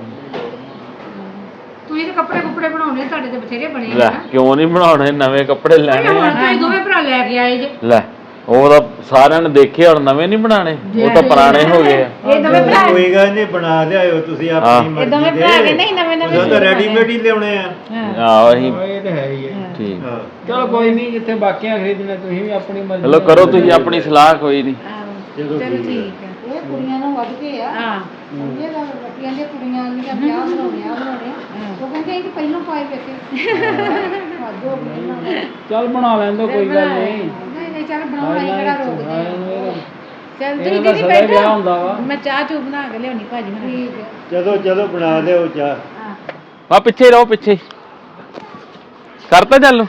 Speaker 5: ਤੁਸੀਂ ਤੇ ਕੱਪੜੇ ਕੁੱਪੜੇ ਬਣਾਉਣੇ ਤੁਹਾਡੇ ਤੇ ਬਥੇਰੇ ਬਣੇ
Speaker 3: ਲੈ
Speaker 5: ਆ।
Speaker 3: ਕਿਉਂ ਨਹੀਂ ਬਣਾਉਣੇ, ਨਵੇਂ ਕੱਪੜੇ ਲੈਣੇ
Speaker 5: ਹੁਣ
Speaker 3: ਆ।
Speaker 5: ਤੁਸੀਂ ਦੋਵੇਂ ਭਰਾ ਲੈ ਕੇ ਆਏ ਜੇ।
Speaker 3: ਲੈ ਉਹ ਤਾਂ ਸਾਰਿਆਂ ਨੇ ਦੇਖੇ, ਹੁਣ ਨਵੇਂ ਨਹੀਂ ਬਣਾਣੇ, ਉਹ ਤਾਂ ਪੁਰਾਣੇ ਹੋ ਗਏ ਆ।
Speaker 5: ਇਹ ਦੋਵੇਂ ਭਰਾ
Speaker 2: ਕੋਈ ਗੱਲ ਨਹੀਂ, ਬਣਾ ਲਿਆਇਓ ਤੁਸੀਂ ਆਪਣੀ ਮਰਜ਼ੀ ਦੇ।
Speaker 7: ਦੋਵੇਂ ਭਰਾ ਕਹਿੰਦੇ ਸੀ ਨਵੇਂ ਨਵੇਂ
Speaker 2: ਉਹ ਤਾਂ ਰੈਡੀਮੇਡ ਹੀ ਲਿਆਉਣੇ ਆ।
Speaker 3: ਆਹੋ ਅਸੀਂ
Speaker 1: ਇਹ ਤਾਂ ਹੈ ਹੀ ਹੈ।
Speaker 3: ਠੀਕ।
Speaker 2: ਹਾਂ।
Speaker 1: ਚਲੋ ਕੋਈ ਨਹੀਂ, ਜਿੱਥੇ ਬਾਕੀਆਂ ਖਰੀਦਣਾ ਤੁਸੀਂ ਵੀ ਆਪਣੀ ਮਰਜ਼ੀ
Speaker 3: ਚਲੋ ਕਰੋ ਤੁਸੀਂ ਆਪਣੀ ਸਲਾਹ, ਕੋਈ ਨਹੀਂ।
Speaker 2: ਚਲੋ
Speaker 7: ਚਲੋ
Speaker 2: ਠੀਕ
Speaker 7: ਠੀਕ ਹੈ।
Speaker 5: ਇਹ ਕੁੜੀਆਂ ਨੂੰ ਵੱਧ ਕੇ ਆ।
Speaker 7: ਹਾਂ
Speaker 5: ਸਮਝੇ ਗੱਲ ਬੱਟੀਆਂ ਦੀਆਂ ਕੁੜੀਆਂ ਆਂਦੀਆਂ ਵਿਆਹ ਬਣਾਉਣੇ ਆ ਬਣਾਉਣੇ ਆ। ਉਹ ਕਹਿੰਦੇ ਇਹ ਤਾਂ ਪਹਿਲਾਂ ਪਾਏ ਵੇਖੇ। ਵਾਧੂ ਹੋ ਗਏ ਇਹਨਾਂ ਦਾ।
Speaker 1: ਚੱਲ ਬਣਾ ਲੈਣ ਦੋ, ਕੋਈ ਗੱਲ ਨਹੀਂ।
Speaker 5: ਨਹੀਂ ਨਹੀਂ ਚੱਲ ਬਣਾਉਣਾ ਹੀ ਕਿਹੜਾ ਰੋਕਦੇ ਆ।
Speaker 7: ਚੱਲ
Speaker 1: ਇਹਦਾ
Speaker 7: ਤੁਸੀਂ
Speaker 1: ਤਾਂ
Speaker 7: ਦੀਦੀ
Speaker 1: ਸਦਾ ਵਿਆਹ ਹੁੰਦਾ ਵਾ।
Speaker 7: ਬੈਠੋ, ਮੈਂ ਚਾਹ ਚੂ ਬਣਾ ਕੇ ਲਿਆਉਣੀ ਭਾਜੀ ਨੂੰ।
Speaker 5: ਠੀਕ ਹੈ।
Speaker 2: ਚਲੋ ਚਲੋ ਬਣਾ ਲਿਓ ਚਾਹ।
Speaker 3: ਆ ਪਿੱਛੇ ਰਹੋ, ਪਿੱਛੇ ਕਰਤਾ ਚੱਲ।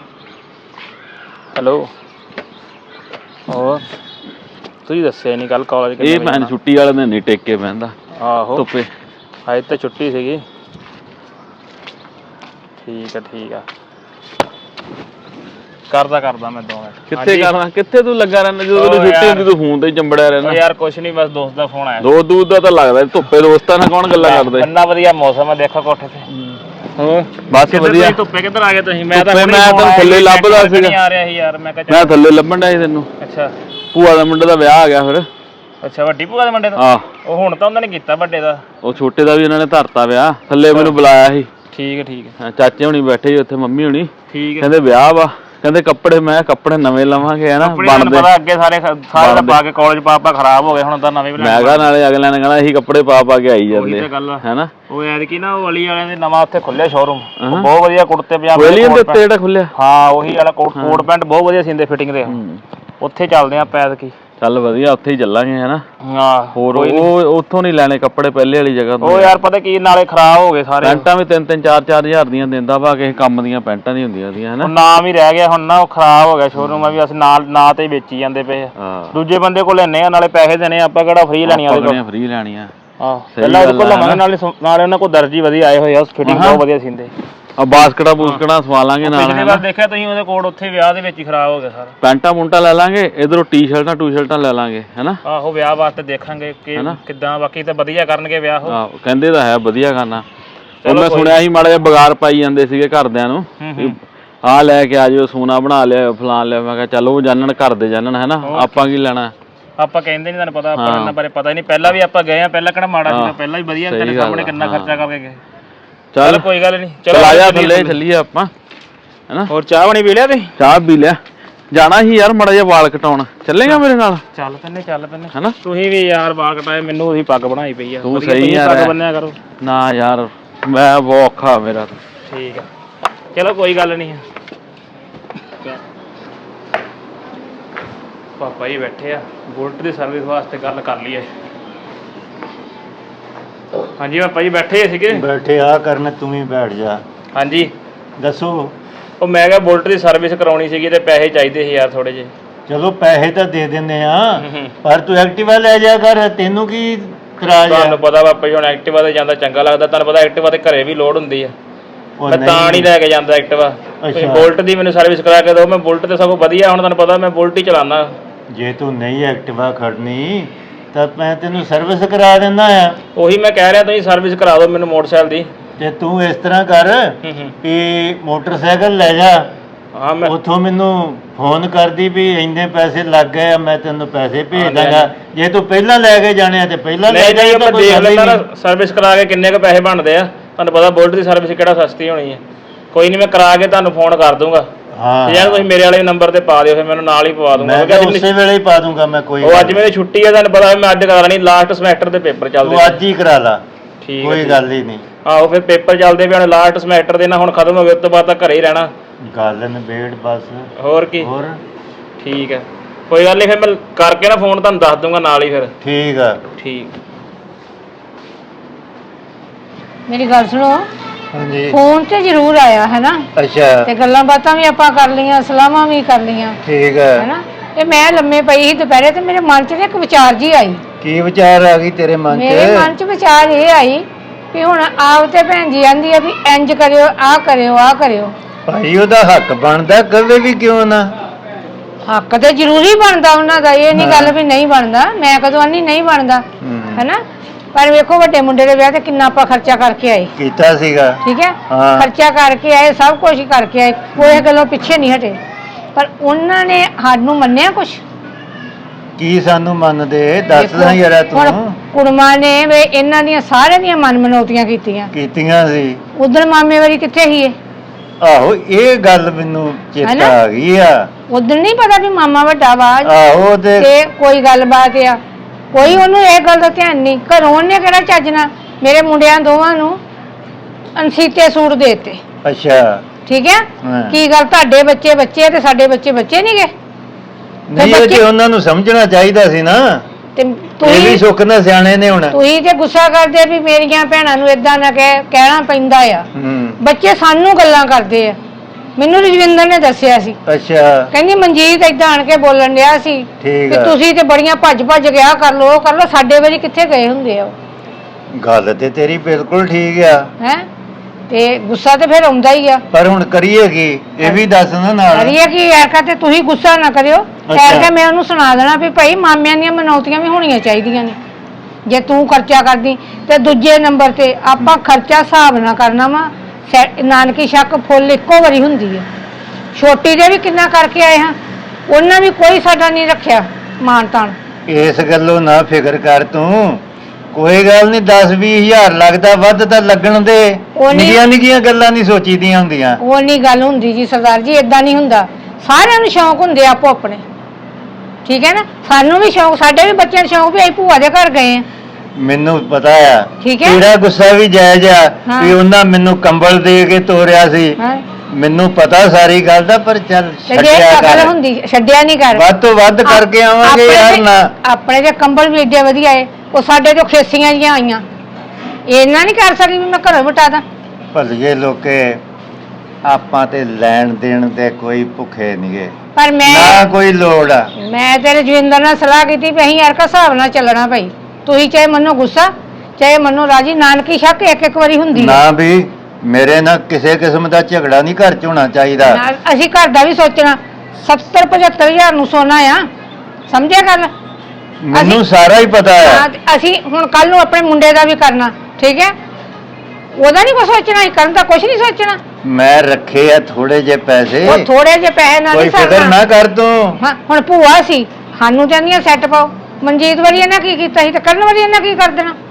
Speaker 4: ਹੈਲੋ ਹੋਰ ਤੁਸੀਂ ਦੱਸਿਆ ਨਹੀਂ ਕੱਲ ਕਾਲਜ
Speaker 3: ਇਹ ਭੈਣ ਛੁੱਟੀ ਵਾਲੇ ਦਿਨ ਨਹੀਂ ਟੇਕ ਕੇ ਬਹਿੰਦਾ
Speaker 4: ਆਹੋ
Speaker 3: ਧੁੱਪੇ।
Speaker 4: ਅੱਜ ਤਾਂ ਛੁੱਟੀ ਸੀਗੀ। ਠੀਕ ਆ ਕਰਦਾ ਮੈਂ 2 ਮਿੰਟ।
Speaker 3: ਕਿੱਥੇ ਕਰਨਾ, ਕਿੱਥੇ ਤੂੰ ਲੱਗਾ ਰਹਿੰਦਾ ਜਦੋਂ ਤੈਨੂੰ ਛੁੱਟੀ ਹੁੰਦੀ ਤੂੰ ਫੋਨ ਤੇ ਹੀ ਚੰਬੜਿਆ ਰਹਿੰਦਾ।
Speaker 4: ਯਾਰ ਕੁਛ ਨਹੀਂ, ਬਸ ਦੋਸਤ ਦਾ ਫੋਨ ਆਇਆ।
Speaker 3: ਦੋ ਦੂਰ ਦਾ ਤਾਂ ਲੱਗਦਾ, ਧੁੱਪੇ ਦੋਸਤਾਂ ਨਾਲ ਕੌਣ ਗੱਲਾਂ ਕਰਦਾ।
Speaker 4: ਇੰਨਾ ਵਧੀਆ ਮੌਸਮ ਆ, ਦੇਖੋ ਕੋਠੇ ਤੇ।
Speaker 3: ਹੋਰ ਬਸ ਵਧੀਆ।
Speaker 4: ਧੁੱਪੇ ਕਿੱਧਰ ਆ ਗਏ ਤੁਸੀਂ? ਮੈਂ ਤਾਂ
Speaker 3: ਧੁੱਪੇ ਮੈਂ ਤੈਨੂੰ ਥੱਲੇ ਲੱਭਦਾ ਸੀਗਾ।
Speaker 4: ਨਹੀਂ ਆ ਰਿਹਾ ਸੀ ਯਾਰ, ਮੈਂ ਕਿਹਾ
Speaker 3: ਮੈਂ ਥੱਲੇ ਲੱਭਣ ਡਿਆ ਸੀ ਤੈਨੂੰ।
Speaker 4: ਅੱਛਾ
Speaker 3: ਭੂਆ ਦਾ ਮੁੰਡੇ ਦਾ ਵਿਆਹ ਆ ਗਿਆ ਫਿਰ।
Speaker 4: ਅੱਛਾ ਵੱਡੀ ਭੂਆ ਦੇ ਮੁੰਡੇ ਦਾ?
Speaker 3: ਆਹ
Speaker 4: ਉਹ ਹੁਣ ਤਾਂ ਉਹਨਾਂ ਨੇ ਕੀਤਾ ਵੱਡੇ ਦਾ।
Speaker 3: ਉਹ ਛੋਟੇ ਦਾ ਵੀ ਉਹਨਾਂ ਨੇ ਧਰਤਾ ਵਿਆਹ, ਥੱਲੇ ਮੈਨੂੰ ਬੁਲਾਇਆ ਸੀ।
Speaker 4: ਠੀਕ
Speaker 3: ਹਾਂ, ਚਾਚੇ ਹੁਣੀ ਬੈਠੇ ਸੀ ਉੱਥੇ, ਮੰਮੀ ਹੁਣੀ।
Speaker 4: ਠੀਕ ਹੈ।
Speaker 3: ਕਹਿੰਦੇ ਵਿਆਹ ਵਾ, ਕਹਿੰਦੇ ਕੱਪੜੇ, ਮੈਂ ਕੱਪੜੇ ਨਵੇਂ ਲਵਾਂਗੇ ਹਨਾ ਬਣਦੇ।
Speaker 4: ਪਤਾ ਅੱਗੇ ਸਾਰੇ ਦਾ ਪਾ ਕੇ ਕਾਲਜ ਪਾ ਖਰਾਬ ਹੋ ਗਏ, ਹੁਣ ਤਾਂ ਨਵੇਂ ਵੀ
Speaker 3: ਮੈਂ ਕਿਹਾ ਨਾਲੇ ਅਗਲਿਆਂ ਨੇ ਕਹਿਣਾ ਇਹੀ ਕੱਪੜੇ ਪਾ ਕੇ ਆਈ ਜਾਂਦੇ
Speaker 4: ਉਹੀ ਤਾਂ ਗੱਲ ਆ।
Speaker 3: ਹੈਨਾ।
Speaker 4: ਉਹ ਐਤਕੀ ਨਾ ਉਹ ਅਲੀ ਵਾਲਿਆਂ ਦੇ ਨਵਾਂ ਉੱਥੇ ਖੁੱਲਿਆ ਸ਼ੋਰੂਮ, ਬਹੁਤ ਵਧੀਆ ਕੁੜਤੇ ਪਜਾਮੇ।
Speaker 3: ਵਿਲੀਅਮ ਦੇ ਉੱਤੇ ਜਿਹੜਾ ਖੁੱਲਿਆ,
Speaker 4: ਹਾਂ ਉਹੀ ਵਾਲਾ ਕੋਟ ਪੈਂਟ ਬਹੁਤ ਵਧੀਆ ਸਿੰਦੇ, ਫਿਟਿੰਗ ਦੇ। ਉੱਥੇ ਚੱਲਦੇ ਆ ਐਤਕੀ।
Speaker 3: ਚੱਲ ਵਧੀਆ, ਉੱਥੇ ਹੀ ਚੱਲਾਂਗੇ ਹਨਾ।
Speaker 4: ਹਾਂ
Speaker 3: ਹੋਰ ਉਹ ਉੱਥੋਂ ਨਹੀਂ ਲੈਣੇ ਕੱਪੜੇ ਪਹਿਲੇ ਵਾਲੀ ਜਗ੍ਹਾ ਤੋਂ।
Speaker 4: ਉਹ ਯਾਰ ਪਤਾ ਕੀ, ਨਾਲੇ ਖਰਾਬ ਹੋ ਗਏ ਸਾਰੇ।
Speaker 3: ਪੈਂਟਾਂ ਵੀ 3-3 4-4 ਹਜ਼ਾਰ ਦੀਆਂ ਦਿੰਦਾ ਵਾ, ਕਿਸੇ ਕੰਮ ਦੀਆਂ ਪੈਂਟਾਂ ਨਹੀਂ ਹੁੰਦੀਆਂ ਉਹਦੀਆਂ ਹਨਾ।
Speaker 4: ਨਾਮ ਹੀ ਰਹਿ ਗਿਆ ਹੁਣ ਨਾ, ਉਹ ਖਰਾਬ ਹੋ ਗਿਆ ਸ਼ੋਰੂਮ ਆ ਵੀ, ਅਸੀਂ ਨਾਂ ਤੇ ਵੇਚੀ ਜਾਂਦੇ ਪਏ ਆ। ਦੂਜੇ ਬੰਦੇ ਕੋਲ ਲੈਣੇ ਆ, ਨਾਲੇ ਪੈਸੇ ਦੇਣੇ, ਆਪਾਂ ਕਿਹੜਾ ਫ੍ਰੀ ਲੈਣੀਆਂ ਉਹਦੇ ਕੋਲ।
Speaker 3: ਫ੍ਰੀ ਲੈਣੀਆਂ।
Speaker 4: ਪਹਿਲਾਂ ਉਹਦੇ ਕੋਲ ਲਵਾਂਗੇ, ਨਾਲੇ ਉਹਨਾਂ ਕੋਲ ਦਰਜੀ ਵਧੀਆ ਆਏ ਹੋਏ ਆ, ਫਿਟਿੰਗ ਬਹੁਤ ਵਧੀਆ ਸਿੰਦੇ।
Speaker 3: ਆ ਬਾਸਕਟਾਂ ਬੂਸਕਟਾਂ ਸਵਾ ਲਾਂਗੇ ਨਾਲ।
Speaker 4: ਪਿਛਲੀ ਵਾਰ ਦੇਖਿਆ ਤੁਸੀਂ ਉਹਦੇ ਕੋਲ ਉੱਥੇ ਵਿਆਹ ਦੇ ਵਿੱਚ ਹੀ ਖਰਾਬ ਹੋ ਗਿਆ ਸਾਰਾ।
Speaker 3: ਪੈਂਟਾਂ ਮੁੰਟਾਂ ਲੈ ਲਾਂਗੇ, ਇਧਰੋਂ ਟੀ-ਸ਼ਰਟਾਂ ਟੂ-ਸ਼ਰਟਾਂ ਲੈ ਲਾਂਗੇ ਹੈਨਾ।
Speaker 4: ਆਹੋ ਵਿਆਹ ਵਾਸਤੇ ਦੇਖਾਂਗੇ ਕਿ ਕਿੱਦਾਂ, ਬਾਕੀ ਤਾਂ ਵਧੀਆ ਕਰਨਗੇ ਵਿਆਹ ਉਹ।
Speaker 3: ਆਹੋ ਕਹਿੰਦੇ ਤਾਂ ਹੈ ਵਧੀਆ ਕਰਨਾ। ਉਹ ਮੈਂ ਸੁਣਿਆ ਸੀ ਮਾੜਾ ਜਿਹਾ ਬਗਾਰ ਪਾਈ ਜਾਂਦੇ ਸੀਗੇ ਘਰਦਿਆਂ ਨੂੰ, ਆਹ ਲੈ ਕੇ ਆ ਜਿਓ, ਸੋਨਾ ਬਣਾ ਲਿਆ, ਫਲਾਣ ਲਿਆ। ਮੈਂ ਕਿਹਾ ਚੱਲ ਉਹ ਜਾਣਨ, ਘਰ ਦੇ ਜਾਣਨ ਹੈਨਾ, ਆਪਾਂ ਕੀ ਲੈਣਾ।
Speaker 4: ਆਪਾਂ ਕਹਿੰਦੇ ਨਹੀਂ, ਤੁਹਾਨੂੰ ਪਤਾ, ਆਪਾਂ ਇਹਨਾਂ ਬਾਰੇ ਪਤਾ ਹੀ ਨਹੀਂ। ਪਹਿਲਾਂ ਵੀ ਆਪਾਂ ਗਏ ਆ, ਪਹਿਲਾਂ ਕਿਹੜਾ ਮਾੜਾ ਸੀ, ਪਹਿਲਾਂ ਵੀ ਵਧੀਆ ਤੇਰੇ ਸਾਹਮਣੇ ਕਿੰਨਾ ਖਰਚਾ ਕਰਕੇ ਗਏ। ਚੱਲ ਕੋਈ ਗੱਲ ਨਹੀਂ, ਚਲੋ
Speaker 3: ਆ ਜਾ ਥੱਲੇ ਚੱਲੀਏ ਆਪਾਂ ਹੈਨਾ।
Speaker 4: ਹੋਰ ਚਾਹ ਬਣੀ ਪੀ ਲਿਆ ਤੇ?
Speaker 3: ਚਾਹ ਪੀ ਲਿਆ, ਜਾਣਾ ਸੀ ਯਾਰ ਮਾੜਾ ਜਿਹਾ ਵਾਲ ਕਟਾਉਣ, ਚੱਲੇਗਾ ਮੇਰੇ ਨਾਲ?
Speaker 4: ਚੱਲ ਪੈਨੇ
Speaker 3: ਹੈਨਾ।
Speaker 4: ਤੁਸੀਂ ਵੀ ਯਾਰ ਵਾਲ ਕਟਾਏ, ਮੈਨੂੰ ਉਹਦੀ ਪੱਗ ਬਣਾਈ ਪਈ ਆ।
Speaker 3: ਤੂੰ ਸਹੀ ਯਾਰ,
Speaker 4: ਪੱਗ ਬੰਨਿਆ ਕਰੋ
Speaker 3: ਨਾ ਯਾਰ, ਮੈਂ ਬਹੁਤ ਔਖਾ ਮੇਰਾ।
Speaker 4: ਠੀਕ ਆ, ਚਲੋ ਕੋਈ ਗੱਲ ਨਹੀਂ। ਪਾਪਾ ਜੀ ਬੈਠੇ ਆ, ਬੁਲਟ ਦੀ ਸਰਵਿਸ ਵਾਸਤੇ ਗੱਲ ਕਰ ਲਈਏ। ਹਾਂਜੀ ਪਾਪਾ ਜੀ ਬੈਠੇ ਸੀਗੇ।
Speaker 2: ਬੈਠੇ ਆ ਕਰਨ, ਤੂੰ ਵੀ ਬੈਠ ਜਾ।
Speaker 4: ਹਾਂਜੀ
Speaker 2: ਦੱਸੋ।
Speaker 4: ਉਹ ਮੈਂ ਕਿਹਾ ਬੁਲਟ ਦੀ ਸਰਵਿਸ ਕਰਾਉਣੀ ਸੀਗੀ ਤੇ ਪੈਸੇ ਚਾਹੀਦੇ ਸੀ ਯਾਰ ਥੋੜੇ ਜਿਹੇ।
Speaker 2: ਚਲੋ ਪੈਸੇ ਤਾਂ ਦੇ ਦਿੰਦੇ ਆ, ਪਰ ਤੂੰ ਐਕਟਿਵਾ ਲੈ ਜਾ ਕਰ, ਤੈਨੂੰ ਕੀ ਇਤਰਾਜ਼
Speaker 4: ਤੁਹਾਨੂੰ
Speaker 2: ਆ?
Speaker 4: ਪਤਾ ਪਾਪਾ ਜੀ ਹੁਣ ਐਕਟਿਵਾ ਤੇ ਜਾਂਦਾ ਚੰਗਾ ਲੱਗਦਾ, ਤੁਹਾਨੂੰ ਪਤਾ ਐਕਟਿਵਾ ਤੇ ਘਰੇ ਵੀ ਲੋਡ ਹੁੰਦੀ ਆ,
Speaker 2: ਉਹ
Speaker 4: ਮੈਂ ਤਾਂ ਨਹੀਂ ਲੈ ਕੇ ਜਾਂਦਾ ਐਕਟਿਵਾ। ਤੁਸੀਂ ਬੁਲਟ ਦੀ ਮੈਨੂੰ ਸਰਵਿਸ ਕਰਾ ਕੇ ਦਿਓ, ਮੈਂ ਬੁਲਟ ਤੇ ਸਗੋਂ ਵਧੀਆ, ਹੁਣ ਤੁਹਾਨੂੰ ਪਤਾ ਮੈਂ ਬੁਲਟ ਹੀ ਚਲਾਉਂਦਾ।
Speaker 2: ਜੇ ਤੂੰ ਨਹੀਂ ਐਕਟਿਵਾ ਖੜਨੀ ਤਾਂ ਮੈਂ ਤੈਨੂੰ ਸਰਵਿਸ ਕਰਾ ਦਿੰਦਾ ਆ।
Speaker 4: ਉਹੀ ਮੈਂ ਕਹਿ ਰਿਹਾ, ਤੁਸੀਂ ਸਰਵਿਸ ਕਰਾ ਦਿਓ ਮੈਨੂੰ ਮੋਟਰਸਾਈਕਲ ਦੀ।
Speaker 2: ਤੇ ਤੂੰ ਇਸ ਤਰ੍ਹਾਂ ਕਰ ਵੀ ਮੋਟਰਸਾਈਕਲ ਲੈ ਜਾ,
Speaker 4: ਹਾਂ ਮੈਂ
Speaker 2: ਉਥੋਂ ਮੈਨੂੰ ਫੋਨ ਕਰਦੀ ਵੀ ਇੰਨੇ ਪੈਸੇ ਲੱਗ ਗਏ ਆ, ਮੈਂ ਤੈਨੂੰ ਪੈਸੇ ਭੇਜ ਦਾਂਗਾ। ਜੇ ਤੂੰ ਪਹਿਲਾਂ ਲੈ ਕੇ ਜਾਣੇ ਆ ਤੇ ਪਹਿਲਾਂ ਲੈ
Speaker 4: ਨਹੀਂ
Speaker 2: ਜਾ।
Speaker 4: ਆਪਾਂ ਦੇਖ ਲੈਂਦਾ ਨਾ ਸਰਵਿਸ ਕਰਾ ਕੇ ਕਿੰਨੇ ਕੁ ਪੈਸੇ ਬਣਦੇ ਆ, ਤੁਹਾਨੂੰ ਪਤਾ ਬੁਲਟ ਦੀ ਸਰਵਿਸ ਕਿਹੜਾ ਸਸਤੀ ਹੋਣੀ ਹੈ। ਕੋਈ ਨਹੀਂ ਮੈਂ ਕਰਾ ਕੇ ਤੁਹਾਨੂੰ ਫੋਨ ਕਰ ਦੂੰਗਾ।
Speaker 2: ਹਾਂ
Speaker 4: ਯਾਰ ਤੁਸੀਂ ਮੇਰੇ ਵਾਲੇ ਨੰਬਰ ਤੇ ਪਾ ਦਿਓ, ਫਿਰ ਮੈਨੂੰ ਨਾਲ ਹੀ ਪਵਾ ਦੂੰਗਾ।
Speaker 2: ਮੈਂ ਕਿਹਾ ਉਸੇ ਵੇਲੇ ਹੀ ਪਾ ਦੂੰਗਾ ਮੈਂ। ਕੋਈ
Speaker 4: ਉਹ ਅੱਜ ਮੇਰੀ ਛੁੱਟੀ ਹੈ, ਤੁਹਾਨੂੰ ਪਤਾ ਮੈਂ ਅੱਜ ਕਰਾ ਲੈਣੀ, ਲਾਸਟ ਸਮੈਸਟਰ ਦੇ ਪੇਪਰ ਚੱਲਦੇ।
Speaker 2: ਤੂੰ ਅੱਜ ਹੀ ਕਰਾ ਲਾ,
Speaker 4: ਠੀਕ
Speaker 2: ਕੋਈ ਗੱਲ ਹੀ ਨਹੀਂ।
Speaker 4: ਆਹੋ ਫਿਰ ਪੇਪਰ ਚੱਲਦੇ ਪਏ ਹੁਣ, ਲਾਸਟ ਸਮੈਸਟਰ ਦੇ ਨਾ ਹੁਣ ਖਤਮ ਹੋ ਗਏ, ਉਸ ਤੋਂ ਬਾਅਦ ਤਾਂ ਘਰੇ ਹੀ ਰਹਿਣਾ।
Speaker 2: ਗੱਲ ਨਿਬੇੜ ਬਸ।
Speaker 4: ਹੋਰ ਕੀ।
Speaker 2: ਹੋਰ
Speaker 4: ਠੀਕ ਹੈ, ਕੋਈ ਗੱਲ ਨਹੀਂ, ਫਿਰ ਮੈਂ ਕਰਕੇ ਨਾ ਫੋਨ ਤੁਹਾਨੂੰ ਦੱਸ ਦੂੰਗਾ ਨਾਲ ਹੀ। ਫਿਰ
Speaker 2: ਠੀਕ ਆ।
Speaker 4: ਠੀਕ।
Speaker 5: ਮੇਰੀ ਗੱਲ ਸੁਣੋ,
Speaker 2: ਹਾਂਜੀ
Speaker 5: ਫੋਨ ਤੇ ਜ਼ਰੂਰ ਆਇਆ ਹੈ ਨਾ,
Speaker 2: ਅੱਛਾ
Speaker 5: ਤੇ ਗੱਲਾਂ ਬਾਤਾਂ ਵੀ ਆਪਾਂ ਕਰ ਲਈਆਂ, ਸਲਾਹਾਂ ਵੀ ਕਰ ਲਈਆਂ,
Speaker 2: ਠੀਕ
Speaker 5: ਹੈ
Speaker 2: ਆ।
Speaker 5: ਨਾ। ਤੇ ਮੈਂ ਲੰਮੇ ਪਈ ਸੀ ਦੁਪਹਿਰੇ, ਤੇ ਮੇਰੇ ਮਨ 'ਚ ਨਾ ਇੱਕ ਵਿਚਾਰ ਜੀ ਆਈ।
Speaker 2: ਕੀ ਵਿਚਾਰ ਆ ਗਈ ਤੇਰੇ ਮਨ 'ਚ?
Speaker 5: ਮੇਰੇ ਮਨ 'ਚ ਵਿਚਾਰ ਇਹ ਆਈ ਵੀ ਹੁਣ ਆਪ ਤੇ ਭੈਣ ਜੀ ਆਂਦੀ ਆ ਵੀ ਇੰਜ ਕਰਿਓ, ਆਹ ਕਰਿਓ, ਆਹ ਕਰਿਓ।
Speaker 2: ਭਾਈ ਉਹਦਾ ਹੱਕ ਬਣਦਾ, ਕਦੇ ਵੀ ਕਿਉਂ ਨਾ।
Speaker 5: ਹੱਕ ਤੇ ਜ਼ਰੂਰੀ ਬਣਦਾ ਉਹਨਾਂ ਦਾ, ਇਹ ਨਹੀਂ ਗੱਲ ਵੀ ਨਹੀਂ ਬਣਦਾ, ਮੈਂ ਕਦੋਂ ਆਨੀ ਨਹੀਂ ਬਣਦਾ, ਹੈਨਾ। ਪਰ ਵੇਖੋ ਵੱਡੇ ਮੁੰਡੇ ਦੇ ਵਿਆਹ ਤੇ ਕਿੰਨਾ ਆਪਾਂ ਖਰਚਾ ਕਰਕੇ ਆਏ,
Speaker 2: ਕੀਤਾ ਸੀਗਾ।
Speaker 5: ਠੀਕ ਹੈ,
Speaker 2: ਹਾਂ।
Speaker 5: ਖਰਚਾ ਕਰਕੇ ਆਏ, ਸਭ ਕੁਝ ਹੀ ਕਰਕੇ ਆਏ, ਕੋਈ ਗੱਲੋਂ ਪਿੱਛੇ ਨਹੀਂ ਹਟੇ। ਪਰ ਉਹਨਾਂ ਨੇ ਸਾਨੂੰ ਮੰਨਿਆ ਕੁਛ?
Speaker 2: ਕੀ ਸਾਨੂੰ ਮੰਨਦੇ? ਦੱਸ ਦਾ ਯਾਰ
Speaker 5: ਹੁਣ
Speaker 2: ਤੂੰ।
Speaker 5: ਕੁੜਮਾਂ ਨੇ ਵੇ ਇਹਨਾਂ ਦੀਆਂ ਸਾਰਿਆਂ ਦੀਆਂ ਮਨ ਮਨੌਤੀਆਂ ਕੀਤੀਆਂ
Speaker 2: ਸੀ।
Speaker 5: ਉਧਰ ਮਾਮੇ ਵਾਰੀ ਕਿੱਥੇ ਸੀ ਇਹ?
Speaker 2: ਆਹੋ ਇਹ ਗੱਲ ਮੈਨੂੰ ਚੇਤਾ ਆ ਗਈ ਆ।
Speaker 5: ਉਧਰ ਨਹੀਂ ਪਤਾ ਵੀ ਮਾਮਾ ਵੱਡਾ ਵਾ,
Speaker 2: ਆਹੋ ਤੇ
Speaker 5: ਕੋਈ ਗੱਲਬਾਤ ਆ, ਕੋਈ ਉਹਨੂੰ ਇਹ ਗੱਲ ਦਾ ਧਿਆਨ ਨਹੀਂ। ਘਰੋਂ ਉਹਨੇ ਕਿਹੜਾ ਚੱਜਣਾ ਮੇਰੇ ਮੁੰਡਿਆਂ ਦੋਵਾਂ ਨੂੰ ਅਨਸੀਤੇ ਸੂਟ ਦੇਤੇ।
Speaker 2: ਅੱਛਾ
Speaker 5: ਠੀਕ ਹੈ,
Speaker 2: ਹਾਂ।
Speaker 5: ਕੀ ਗੱਲ ਤੁਹਾਡੇ ਬੱਚੇ ਬੱਚੇ ਤੇ ਸਾਡੇ ਬੱਚੇ ਬੱਚੇ ਨਹੀਂ ਗਏ?
Speaker 2: ਨਹੀਂ ਉਹ ਤੇ ਉਹਨਾਂ ਨੂੰ ਸਮਝਣਾ ਚਾਹੀਦਾ ਸੀ ਨਾ।
Speaker 5: ਤੇ
Speaker 2: ਇਹ ਵੀ ਸੁੱਖ ਨਾ ਸਿਆਣੇ ਨੇ ਹੁਣ।
Speaker 5: ਤੁਸੀਂ ਤੇ ਗੁੱਸਾ ਕਰਦੇ ਵੀ ਮੇਰੀਆਂ ਭੈਣਾਂ ਨੂੰ ਇਦਾਂ ਨਾ ਕਹਿਣਾ ਪੈਂਦਾ ਆ। ਬੱਚੇ ਸਾਨੂੰ ਗੱਲਾਂ ਕਰਦੇ ਆ। ਮੈਨੂੰ ਰਜਵਿੰਦਰ ਨੇ ਦੱਸਿਆ ਸੀ।
Speaker 2: ਅੱਛਾ
Speaker 5: ਕਹਿੰਦੀ ਮਨਜੀਤ ਏਦਾਂ ਆਣ ਕੇ ਬੋਲਣ ਡਿਆ ਸੀ
Speaker 2: ਠੀਕ
Speaker 5: ਕਿ
Speaker 2: ਆ।
Speaker 5: ਤੁਸੀਂ ਤੇ ਬੜੀਆਂ ਭੱਜ ਭੱਜ ਗਿਆ ਕਰ ਲੋ ਕਰ ਲੋ, ਸਾਡੇ ਵਾਰੀ ਕਿੱਥੇ ਗਏ ਹੁੰਦੇ ਆ।
Speaker 2: ਗੱਲ ਤੇ ਤੇਰੀ ਬਿਲਕੁਲ ਠੀਕ ਆ
Speaker 5: ਹੈ, ਤੇ ਗੁੱਸਾ ਤੇ ਫਿਰ ਆਉਂਦਾ ਹੀ ਆ।
Speaker 2: ਪਰ ਹੁਣ ਕਰੀਏ ਕੀ, ਇਹ ਵੀ ਦੱਸ ਨਾ ਨਾਲ।
Speaker 5: ਕਰੀਏ ਕੀ ਐਰਕਾ, ਤੇ ਤੁਸੀਂ ਗੁੱਸਾ ਨਾ ਕਰਿਓ। ਐਰਕਾ ਮੈਂ ਉਹਨੂੰ ਸੁਣਾ ਦੇਣਾ ਵੀ ਭਾਈ ਮਾਮਿਆਂ ਦੀਆਂ ਮਨੌਤੀਆਂ ਵੀ ਹੋਣੀਆਂ ਚਾਹੀਦੀਆਂ ਨੇ। ਜੇ ਤੂੰ ਖਰਚਾ ਕਰਦੀ ਤੇ ਦੂਜੇ ਨੰਬਰ ਤੇ ਆਪਾਂ ਖਰਚਾ ਹਿਸਾਬ ਨਾਲ ਕਰਨਾ ਵਾ। ਨਾਨਕੀ ਸ਼ੱਕ ਫੁੱਲ ਇੱਕੋ ਵਾਰੀ ਹੁੰਦੀ ਹੈ। ਛੋਟੀ ਦੇ ਵੀ ਕਿੰਨਾ ਕਰਕੇ ਆਏ ਹਾਂ, ਉਹਨਾਂ ਵੀ ਕੋਈ ਸਾਡਾ ਨਹੀਂ ਰੱਖਿਆ ਮਾਣ ਤਾਣ।
Speaker 2: ਇਸ ਗੱਲੋਂ ਨਾ ਫਿਕਰ ਕਰ ਤੂੰ, ਕੋਈ ਗੱਲ ਨਹੀਂ। 10-20 ਹਜ਼ਾਰ ਲੱਗਦਾ, ਵੱਧ ਤਾਂ ਲੱਗਣ ਦੇ। ਨਿੱਕੀਆਂ ਨਿੱਕੀਆਂ ਗੱਲਾਂ ਨਹੀਂ ਸੋਚੀਦੀਆਂ ਹੁੰਦੀਆਂ।
Speaker 5: ਉਹ ਨਹੀਂ ਗੱਲ ਹੁੰਦੀ ਜੀ ਸਰਦਾਰ ਜੀ, ਏਦਾਂ ਨਹੀਂ ਹੁੰਦਾ। ਸਾਰਿਆਂ ਨੂੰ ਸ਼ੌਂਕ ਹੁੰਦੇ ਆਪੋ ਆਪਣੇ, ਠੀਕ ਹੈ ਨਾ। ਸਾਨੂੰ ਵੀ ਸ਼ੌਂਕ, ਸਾਡੇ ਵੀ ਬੱਚਿਆਂ ਨੂੰ ਸ਼ੌਂਕ ਵੀ ਅਸੀਂ ਭੂਆ ਦੇ ਘਰ ਗਏ ਆ।
Speaker 2: ਮੈਨੂੰ ਪਤਾ ਆ
Speaker 5: ਠੀਕ ਹੈ।
Speaker 2: ਤੇਰਾ ਗੁੱਸਾ ਵੀ ਜਾਇਜ਼ ਆ ਵੀ ਉਹਨਾਂ ਮੈਨੂੰ ਕੰਬਲ ਦੇ ਕੇ ਤੋਰਿਆ ਸੀ। ਮੈਨੂੰ ਪਤਾ ਸਾਰੀ ਗੱਲ ਦਾ, ਪਰ ਚੱਲ ਛੱਡਿਆ ਕਰ।
Speaker 5: ਛੱਡਿਆ ਨਹੀਂ ਕਰ,
Speaker 2: ਵੱਧ ਤੋਂ ਵੱਧ ਕਰਕੇ ਆਵਾਂਗੇ ਯਾਰ ਨਾ।
Speaker 5: ਆਪਣੇ ਦੇ ਕੰਬਲ ਵੀ ਏਡੇ ਵਧੀਆ ਏ, ਉਹ ਸਾਡੇ ਤੋਂ ਖੇਸੀਆਂ ਜੀਆਂ ਆਈਆਂ। ਇਹਨਾਂ ਨਹੀਂ ਕਰ ਸਕਦੀ ਵੀ ਮੈਂ ਘਰੋਂ ਬਟਾ ਦਾਂ।
Speaker 2: ਭਲੀਏ ਲੋਕੇ, ਆਪਾਂ ਤੇ ਲੈਣ ਦੇਣ ਦੇ ਕੋਈ ਭੁੱਖੇ ਨਹੀਂਗੇ,
Speaker 5: ਪਰ ਮੈਂ
Speaker 2: ਨਾ ਕੋਈ ਲੋੜ ਆ।
Speaker 5: ਮੈਂ ਤੇਰੇ ਜਵਿੰਦਰ ਨਾਲ ਸਲਾਹ ਕੀਤੀ ਵੀ ਅਸੀਂ ਯਾਰ ਕਾ ਹਿਸਾਬ ਨਾਲ ਚੱਲਣਾ ਭਾਈ। ਤੁਸੀਂ ਚਾਹੇ ਮੰਨੋ ਗੁੱਸਾ, ਚਾਹੇ ਮੰਨੋ ਰਾਜੀ, ਨਾਨਕੀ ਸ਼ੱਕ ਇੱਕ ਇੱਕ ਵਾਰੀ ਹੁੰਦੀ
Speaker 2: ਨਾ ਵੀ ਮੇਰੇ ਨਾਲ ਕਿਸੇ ਕਿਸਮ ਦਾ ਝਗੜਾ ਨਹੀਂ ਘਰ ਚ ਹੋਣਾ ਚਾਹੀਦਾ।
Speaker 5: ਅਸੀਂ ਘਰ ਦਾ ਵੀ ਸੋਚਣਾ। 70-75 ਹਜ਼ਾਰ ਨੂੰ ਸੋਨਾ ਆ, ਸਮਝਿਆ ਗੱਲ?
Speaker 2: ਮੈਨੂੰ ਸਾਰਾ ਹੀ ਪਤਾ ਹੈ।
Speaker 5: ਅਸੀਂ ਹੁਣ ਕੱਲ ਨੂੰ ਆਪਣੇ ਮੁੰਡੇ ਦਾ ਵੀ ਕਰਨਾ, ਠੀਕ ਹੈ। ਉਹਦਾ ਨਹੀਂ ਕੁਛ ਸੋਚਣਾ, ਕਰਨ ਦਾ ਕੁਛ ਨਹੀਂ ਸੋਚਣਾ।
Speaker 2: ਮੈਂ ਰੱਖੇ ਆ ਥੋੜੇ ਜਿਹੇ ਪੈਸੇ,
Speaker 5: ਉਹ ਥੋੜੇ ਜਿਹੇ ਪੈਸੇ ਨਾਲ
Speaker 2: ਕੋਈ
Speaker 5: ਨਹੀਂ
Speaker 2: ਫਿਕਰ ਨਾ ਕਰ ਤੂੰ।
Speaker 5: ਹਾਂ, ਹੁਣ ਭੂਆ ਸੀ, ਸਾਨੂੰ ਕਹਿੰਦੀਆਂ ਸੈੱਟ ਪਾਓ। ਮਨਜੀਤ ਵਾਰੀ ਇਹਨਾਂ ਕੀ ਕੀਤਾ ਸੀ ਤੇ ਕਰਨ ਵਾਰੀ ਇਹਨਾਂ ਕੀ ਕਰ ਦੇਣਾ।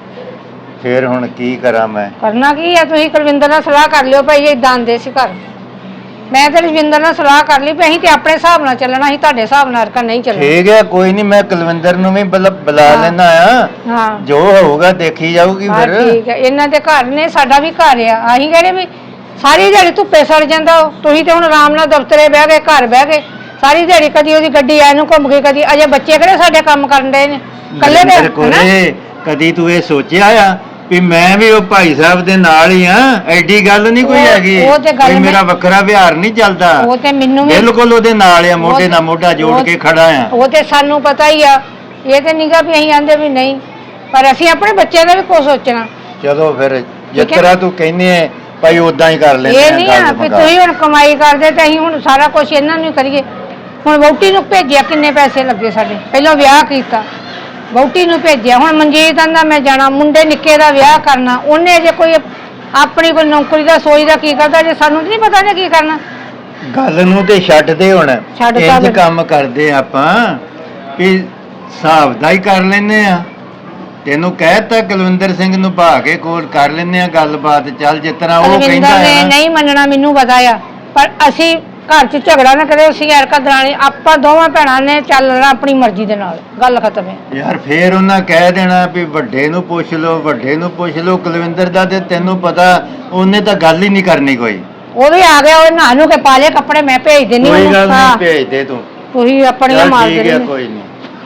Speaker 2: ਫੇਰ ਹੁਣ ਕੀ ਕਰਾਂ ਮੈਂ?
Speaker 5: ਕਰਨਾ ਕੀ ਆ, ਤੁਸੀਂ ਕੁਲਵਿੰਦਰ ਨਾਲ ਸਲਾਹ ਕਰ ਲਿਓ ਭਾਈ ਏਦਾਂ ਦੇ ਸੀ ਘਰ। ਮੈਂ ਤੇ ਰਜਵਿੰਦਰ ਨਾਲ ਸਲਾਹ ਕਰ ਲਈ ਵੀ ਅਸੀਂ ਤੇ ਆਪਣੇ ਹਿਸਾਬ ਨਾਲ ਚੱਲਣਾ, ਅਸੀਂ ਤੁਹਾਡੇ ਹਿਸਾਬ ਨਾਲ ਨਹੀਂ ਚੱਲਣਾ।
Speaker 2: ਠੀਕ ਹੈ, ਕੋਈ ਨਹੀਂ, ਮੈਂ ਕੁਲਵਿੰਦਰ ਨੂੰ ਵੀ ਬੁਲਾ ਲੈਣਾ ਆ।
Speaker 5: ਹਾਂ,
Speaker 2: ਜੋ ਹੋਊਗਾ ਦੇਖੀ ਜਾਊਗੀ ਫਿਰ।
Speaker 5: ਠੀਕ ਹੈ, ਇਹਨਾਂ ਦੇ ਘਰ ਨੇ, ਸਾਡਾ ਵੀ ਘਰ ਆ। ਅਸੀਂ ਕਹਿੰਦੇ ਵੀ ਸਾਰੀ ਦਿਹਾੜੀ ਧੁੱਪੇ ਸੜ ਜਾਂਦਾ। ਤੁਸੀਂ ਤੇ ਹੁਣ ਆਰਾਮ ਨਾਲ ਦਫ਼ਤਰੇ ਬਹਿ ਗਏ, ਘਰ ਬਹਿ ਗਏ। ਸਾਰੀ ਦਿਹਾੜੀ ਕਦੀ ਉਹਦੀ ਗੱਡੀ ਐ ਨੂੰ ਘੁੰਮ ਗਈ, ਕਦੀ ਅਜੇ ਬੱਚੇ ਕਿਹੜੇ ਸਾਡੇ ਕੰਮ ਕਰਨ ਦੇ ਨੇ ਕੱਲੇ ਦੇ
Speaker 2: ਨਰਿੰਦਰ ਕੋਲੇ ਕਦੀ ਤੂੰ ਇਹ ਸੋਚਿਆ ਆ ਵੀ ਮੈਂ ਵੀ ਉਹ ਭਾਈ ਸਾਹਿਬ ਦੇ ਨਾਲ ਹੀ ਆ? ਐਡੀ ਗੱਲ ਨਹੀਂ ਕੋਈ ਹੈਗੀ
Speaker 5: ਉਹ ਤੇ ਗੱਲ
Speaker 2: ਵੀ ਮੇਰਾ ਵੱਖਰਾ ਵਿਹਾਰ ਨਹੀਂ ਚੱਲਦਾ।
Speaker 5: ਉਹ ਤੇ ਮੈਨੂੰ ਵੀ
Speaker 2: ਬਿਲਕੁਲ ਉਹਦੇ ਨਾਲ ਆ, ਮੋਢੇ ਨਾਲ ਮੋਢਾ ਜੋੜ ਕੇ ਖੜਾ ਆ।
Speaker 5: ਉਹ ਤੇ ਸਾਨੂੰ ਪਤਾ ਹੀ ਆ, ਇਹ ਤੇ ਨਹੀਂਗਾ ਵੀ ਅਸੀਂ ਆਂਦੇ ਵੀ ਨਹੀਂ, ਪਰ ਅਸੀਂ ਆਪਣੇ ਬੱਚਿਆਂ ਦਾ ਵੀ ਕੁਝ ਸੋਚਣਾ।
Speaker 2: ਚਲੋ ਫਿਰ ਜਿਸ ਤਰ੍ਹਾਂ ਤੂੰ ਕਹਿੰਦੀ ਹੈ ਭਾਈ ਉਦਾਂ ਹੀ ਕਰ ਲੈਂਦੇ
Speaker 5: ਇਹ ਨਹੀਂ ਆ ਵੀ ਤੁਸੀਂ ਹੁਣ ਕਮਾਈ ਕਰਦੇ ਤੇ ਅਸੀਂ ਹੁਣ ਸਾਰਾ ਕੁਝ ਇਹਨਾਂ ਨੂੰ ਕਰੀਏ। ਹੁਣ ਵਹੁਟੀ ਨੂੰ ਭੇਜਿਆ, ਕਿੰਨੇ ਪੈਸੇ ਲੱਗੇ ਸਾਡੇ, ਪਹਿਲਾਂ ਵਿਆਹ ਕੀਤਾ, ਵਹੁਟੀ ਨੂੰ ਭੇਜਿਆ, ਹੁਣ ਮਨਜੀਤ ਆਂਦਾ ਮੈਂ ਜਾਣਾ, ਮੁੰਡੇ ਨਿੱਕੇ ਦਾ ਵਿਆਹ ਕਰਨਾ, ਉਹਨੇ ਜੇ ਕੋਈ ਆਪਣੀ ਕੋਈ ਨੌਕਰੀ ਦਾ ਸੋਚਦਾ ਕੀ ਕਰਦਾ, ਜੇ ਸਾਨੂੰ ਨਹੀਂ ਪਤਾ ਨੇ ਕੀ ਕਰਨਾ।
Speaker 2: ਗੱਲ ਨੂੰ ਤੇ ਛੱਡ ਦੇ ਹੁਣ,
Speaker 5: ਛੱਡ ਤਾ
Speaker 2: ਇੰਜ
Speaker 5: ਫਿਰ।
Speaker 2: ਕੰਮ ਕਰਦੇ ਆਪਾਂ ਵੀ ਹਿਸਾਬ ਦਾ ਹੀ ਕਰ ਲੈਨੇ ਆ। ਤੈਨੂੰ ਕਹਿਤਾ ਕੁਲਵਿੰਦਰ ਸਿੰਘ ਨੂੰ ਭਾ ਕੇ ਕੋਲ ਕਰ ਲੈਨੇ ਆ ਗੱਲਬਾਤ, ਚੱਲ ਜਿਸ ਤਰ੍ਹਾਂ ਉਹ ਕਹਿੰਦਾ
Speaker 5: ਕੁਲਵਿੰਦਰ ਨੇ
Speaker 2: ਹੈ ਨਾ।
Speaker 5: ਨਹੀਂ ਮੰਨਣਾ, ਮੈਨੂੰ ਪਤਾ ਆ, ਪਰ ਅਸੀਂ ਘਰ 'ਚ ਝਗੜਾ ਨਾ ਕਰੇ, ਅਸੀਂ ਐਰਕਾ ਦਰਾਣੀ ਆਪਾਂ ਦੋਵਾਂ ਭੈਣਾਂ ਨੇ ਚੱਲਣਾ ਆਪਣੀ ਮਰਜ਼ੀ ਦੇ ਨਾਲ, ਗੱਲ ਖਤਮ ਹੈ।
Speaker 2: ਯਾਰ ਫੇਰ ਉਹਨਾਂ ਕਹਿ ਦੇਣਾ ਵੀ ਵੱਡੇ ਨੂੰ ਪੁੱਛ ਲਓ, ਵੱਡੇ ਨੂੰ ਪੁੱਛ ਲਓ। ਕੁਲਵਿੰਦਰ ਦਾ ਤੇ ਤੈਨੂੰ ਪਤਾ ਉਹਨੇ ਤਾਂ ਗੱਲ ਹੀ ਨਹੀਂ ਕਰਨੀ ਕੋਈ।
Speaker 5: ਉਹ ਵੀ ਆ ਗਿਆ, ਉਹ ਨਹਾ ਨੂੰ ਕੇ ਪਾ ਲਏ ਕੱਪੜੇ, ਮੈਂ ਭੇਜ ਦਿੰਨੀ
Speaker 2: ਕੋਈ
Speaker 5: ਉਹਨੂੰ।
Speaker 2: ਗੱਲ ਨਹੀਂ,
Speaker 5: ਹਾਂ,
Speaker 2: ਭੇਜ ਦੇ ਤੂੰ।
Speaker 5: ਤੁਸੀਂ ਆਪਣੀਆਂ
Speaker 2: ਚੱਲ
Speaker 5: ਮਾਰ
Speaker 2: ਠੀਕ ਹੈ,
Speaker 5: ਦੇਣੀ।
Speaker 2: ਕੋਈ ਨਹੀਂ।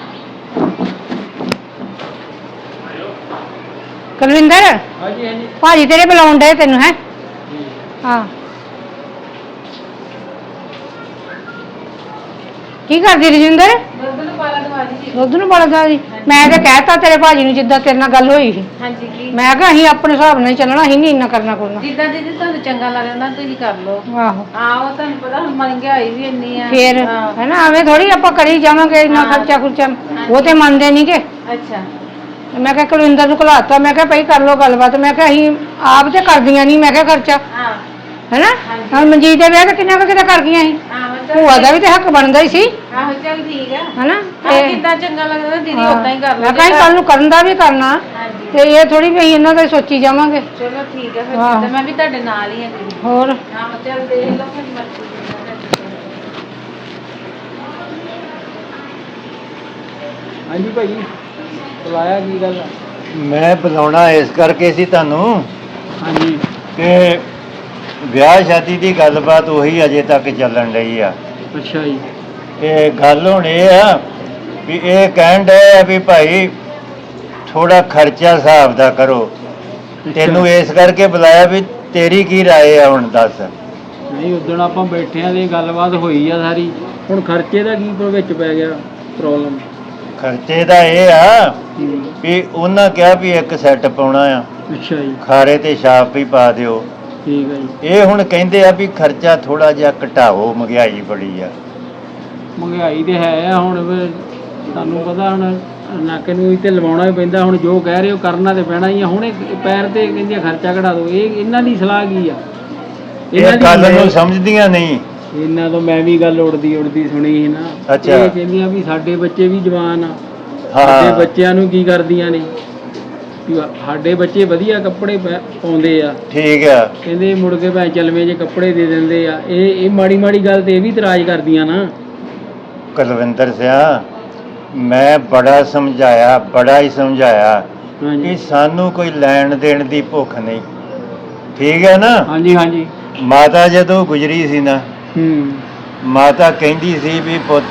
Speaker 5: ਕੁਲਵਿੰਦਰ
Speaker 1: ਹਾਂਜੀ ਹਾਂਜੀ
Speaker 5: ਭਾਜੀ ਤੇਰੇ ਬੁਲਾਉਣ ਡਏ ਤੈਨੂੰ, ਹੈ? ਹਾਂ, ਕੀ ਕਰਦੀ ਰਜਿੰਦਰ?
Speaker 7: ਦੁੱਧ ਨੂੰ ਪਾਲਾ ਦਵਾ ਦੀ।
Speaker 5: ਦੁੱਧ ਨੂੰ ਬੜਾ ਜੀ, ਮੈਂ ਤਾਂ ਕਹਿਤਾ ਤੇਰੇ ਭਾਜੀ ਨੂੰ ਜਿੱਦਾਂ ਤੇਰੇ ਨਾਲ ਗੱਲ ਹੋਈ ਸੀ,
Speaker 7: ਹਾਂਜੀ ਕੀ
Speaker 5: ਮੈਂ ਕਿਹਾ ਅਸੀਂ ਆਪਣੇ ਹਿਸਾਬ ਨਾਲ ਹੀ ਚੱਲਣਾ, ਅਸੀਂ ਨਹੀਂ ਇੰਨਾ ਕਰਨਾ ਕਰਨਾ।
Speaker 7: ਜਿੱਦਾਂ ਦੀਦੀ ਤੁਹਾਨੂੰ ਚੰਗਾ ਲੱਗਦਾ ਤੁਸੀਂ ਕਰ ਲਓ।
Speaker 5: ਆਹੋ
Speaker 7: ਆਹੋ ਤੁਹਾਨੂੰ ਪਤਾ ਹੁਣ ਮਹਿੰਗਾਈ ਵੀ ਇੰਨੀ ਆ।
Speaker 5: ਫੇਰ
Speaker 7: ਹਾਂ।
Speaker 5: ਹੈਨਾ, ਐਵੇਂ ਥੋੜੀ ਆਪਾਂ ਕਰੀ ਜਾਵਾਂਗੇ ਇੰਨਾ ਖਰਚਾ ਖੁਰਚਾ, ਉਹ ਤੇ ਮੰਨਦੇ ਨਹੀਂ ਕਿ।
Speaker 7: ਅੱਛਾ
Speaker 5: ਮੈਂ ਕਿਹਾ ਕੁਲਵਿੰਦਰ ਨੂੰ ਘਲਾਤਾ, ਮੈਂ ਕਿਹਾ ਭਾਈ ਕਰ ਲੋ ਗੱਲਬਾਤ, ਮੈਂ ਕਿਹਾ ਅਸੀਂ ਆਪ ਤੇ ਕਰਦੀਆਂ ਨਹੀਂ, ਮੈਂ ਕਿਹਾ ਖਰਚਾ
Speaker 7: ਹਾਂ
Speaker 5: ਹੈਨਾ। ਹਾਂ, ਮਨਜੀਤ ਦੇ ਵਿਆਹ ਤੇ ਕਿੰਨਾ ਕੁ ਕਿਤੇ ਕਰ ਗਈਆਂ ਸੀ,
Speaker 7: ਆਹੋ
Speaker 5: ਭੂਆ ਦਾ ਵੀ ਤੇ ਹੱਕ ਬਣਦਾ ਹੀ ਸੀ,
Speaker 7: ਆਹੋ ਚੱਲ ਠੀਕ ਆ।
Speaker 5: ਹੈਨਾ।
Speaker 7: ਆਹ ਜਿੱਦਾਂ ਚੰਗਾ ਲੱਗਦਾ ਦੀਦੀ ਉਦਾਂ ਹੀ ਕਰ ਲਓ।
Speaker 5: ਮੈਂ ਕਿਹਾ ਕੱਲ ਨੂੰ ਕਰਨ ਦਾ ਵੀ ਕਰਨਾ,
Speaker 7: ਹਾਂਜੀ
Speaker 5: ਤੇ ਇਹ ਥੋੜੀ ਵੀ ਅਸੀਂ ਇਹਨਾਂ ਦਾ ਹੀ ਸੋਚੀ ਜਾਵਾਂਗੇ।
Speaker 7: ਚਲੋ ਠੀਕ ਆ ਫਿਰ,
Speaker 5: ਆਹੋ।
Speaker 7: ਜਿੱਦਾਂ ਮੈਂ ਵੀ ਤੁਹਾਡੇ ਨਾਲ ਹੀ ਆ ਦੀਦੀ।
Speaker 5: ਹੋਰ
Speaker 7: ਆਹੋ ਚੱਲ ਦੇਖ ਲਓ ਫਿਰ ਮਰਜ਼ੀ
Speaker 1: ਹਾਂਜੀ ਭਾਈ, ਬੁਲਾਇਆ ਕੀ ਗੱਲ ਆ?
Speaker 2: ਮੈਂ ਬੁਲਾਉਣਾ ਇਸ ਕਰਕੇ ਸੀ ਤੁਹਾਨੂੰ
Speaker 1: ਹਾਂਜੀ
Speaker 2: ਕਿ ਵਿਆਹ ਸ਼ਾਦੀ ਦੀ ਗੱਲਬਾਤ ਉਹੀ ਅਜੇ ਤੱਕ ਚੱਲਣ ਰਹੀ ਆ।
Speaker 1: ਅੱਛਾ ਜੀ।
Speaker 2: ਇਹ ਗੱਲ ਹੁਣ ਇਹ ਆ ਵੀ ਇਹ ਕਹਿਣ ਡਏ ਆ ਵੀ ਭਾਈ ਥੋੜਾ ਖਰਚਾ ਹਿਸਾਬ ਦਾ ਕਰੋ। ਤੈਨੂੰ ਇਸ ਕਰਕੇ ਬੁਲਾਇਆ ਵੀ ਤੇਰੀ ਕੀ ਰਾਏ ਆ, ਹੁਣ ਦੱਸ।
Speaker 1: ਨਹੀਂ, ਉਦੋਂ ਆਪਾਂ ਬੈਠੇ ਆਂ ਤੇ ਗੱਲਬਾਤ ਹੋਈ ਆ ਸਾਰੀ, ਹੁਣ ਖਰਚੇ ਦਾ ਕੀ ਵਿੱਚ ਪੈ ਗਿਆ ਪ੍ਰੋਬਲਮ?
Speaker 2: ਖਰਚੇ ਦਾ ਇਹ ਆ ਵੀ ਉਹਨਾਂ ਕਿਹਾ ਵੀ ਇੱਕ ਸੈੱਟ ਪਾਉਣਾ ਆ,
Speaker 1: ਅੱਛਾ ਜੀ,
Speaker 2: ਖਾਰੇ ਤੇ ਛਾਪ ਵੀ ਪਾ ਦਿਓ।
Speaker 1: ਠੀਕ ਹੈ ਜੀ।
Speaker 2: ਇਹ ਹੁਣ ਕਹਿੰਦੇ ਆ ਵੀ ਖਰਚਾ ਥੋੜਾ ਜਿਹਾ ਘਟਾਓ, ਮਹਿੰਗਾਈ ਬੜੀ ਆ।
Speaker 1: ਮਹਿੰਗਾਈ ਤੇ ਹੈ ਆ, ਹੁਣ ਫਿਰ ਤੁਹਾਨੂੰ ਪਤਾ ਹੁਣ ਨਾਕੇ ਨੂੰ ਵੀ ਤੇ ਲਵਾਉਣਾ ਹੀ ਪੈਂਦਾ, ਹੁਣ ਜੋ ਕਹਿ ਰਹੇ ਹੋ ਕਰਨਾ ਤੇ ਪੈਣਾ ਹੀ ਆ। ਹੁਣ ਇਹ ਪੈਰ ਤੇ ਕਹਿੰਦੇ ਖਰਚਾ ਘਟਾ ਦਿਓ, ਇਹ ਇਹਨਾਂ ਦੀ ਸਲਾਹ ਕੀ ਆ?
Speaker 2: ਇਹ ਗੱਲ ਨੂੰ ਸਮਝਦੀਆਂ ਨਹੀਂ।
Speaker 1: ਇਹਨਾਂ ਤੋਂ ਮੈਂ ਵੀ ਗੱਲ ਉੜਦੀ ਸੁਣੀ ਸੀ ਨਾ।
Speaker 2: ਅੱਛਾ।
Speaker 1: ਇਹ ਕਹਿੰਦੀਆਂ ਵੀ ਸਾਡੇ ਬੱਚੇ ਵੀ ਜਵਾਨ ਆ,
Speaker 2: ਹਾਂ।
Speaker 1: ਸਾਡੇ ਬੱਚਿਆਂ ਨੂੰ ਕੀ ਕਰਦੀਆਂ ਨੇ ਵੀ ਸਾਡੇ ਬੱਚੇ ਵਧੀਆ ਕੱਪੜੇ ਪਾਉਂਦੇ ਆ,
Speaker 2: ਠੀਕ ਆ।
Speaker 1: ਕਹਿੰਦੇ ਮੁੜ ਕੇ ਭਾਵੇਂ ਚਲਵੇਂ ਜੇ ਕੱਪੜੇ ਦੇ ਦਿੰਦੇ ਆ। ਇਹ ਮਾੜੀ ਮਾੜੀ ਗੱਲ ਤੇ ਇਹ ਵੀ ਇਤਰਾਜ਼ ਕਰਦੀਆਂ ਨਾ।
Speaker 2: ਕੁਲਵਿੰਦਰ ਸਿਆ, ਮੈਂ ਬੜਾ ਸਮਝਾਇਆ, ਬੜਾ ਹੀ ਸਮਝਾਇਆ ਕਿ
Speaker 1: ਹਾਂਜੀ
Speaker 2: ਸਾਨੂੰ ਕੋਈ ਲੈਣ ਦੇਣ ਦੀ ਭੁੱਖ ਨਹੀਂ, ਠੀਕ ਹੈ ਨਾ।
Speaker 1: ਹਾਂਜੀ ਹਾਂਜੀ।
Speaker 2: ਮਾਤਾ ਜਦੋਂ ਗੁਜਰੀ ਸੀ ਨਾ, ਮਾਤਾ ਕਹਿੰਦੀ ਸੀ ਵੀ ਪੁੱਤ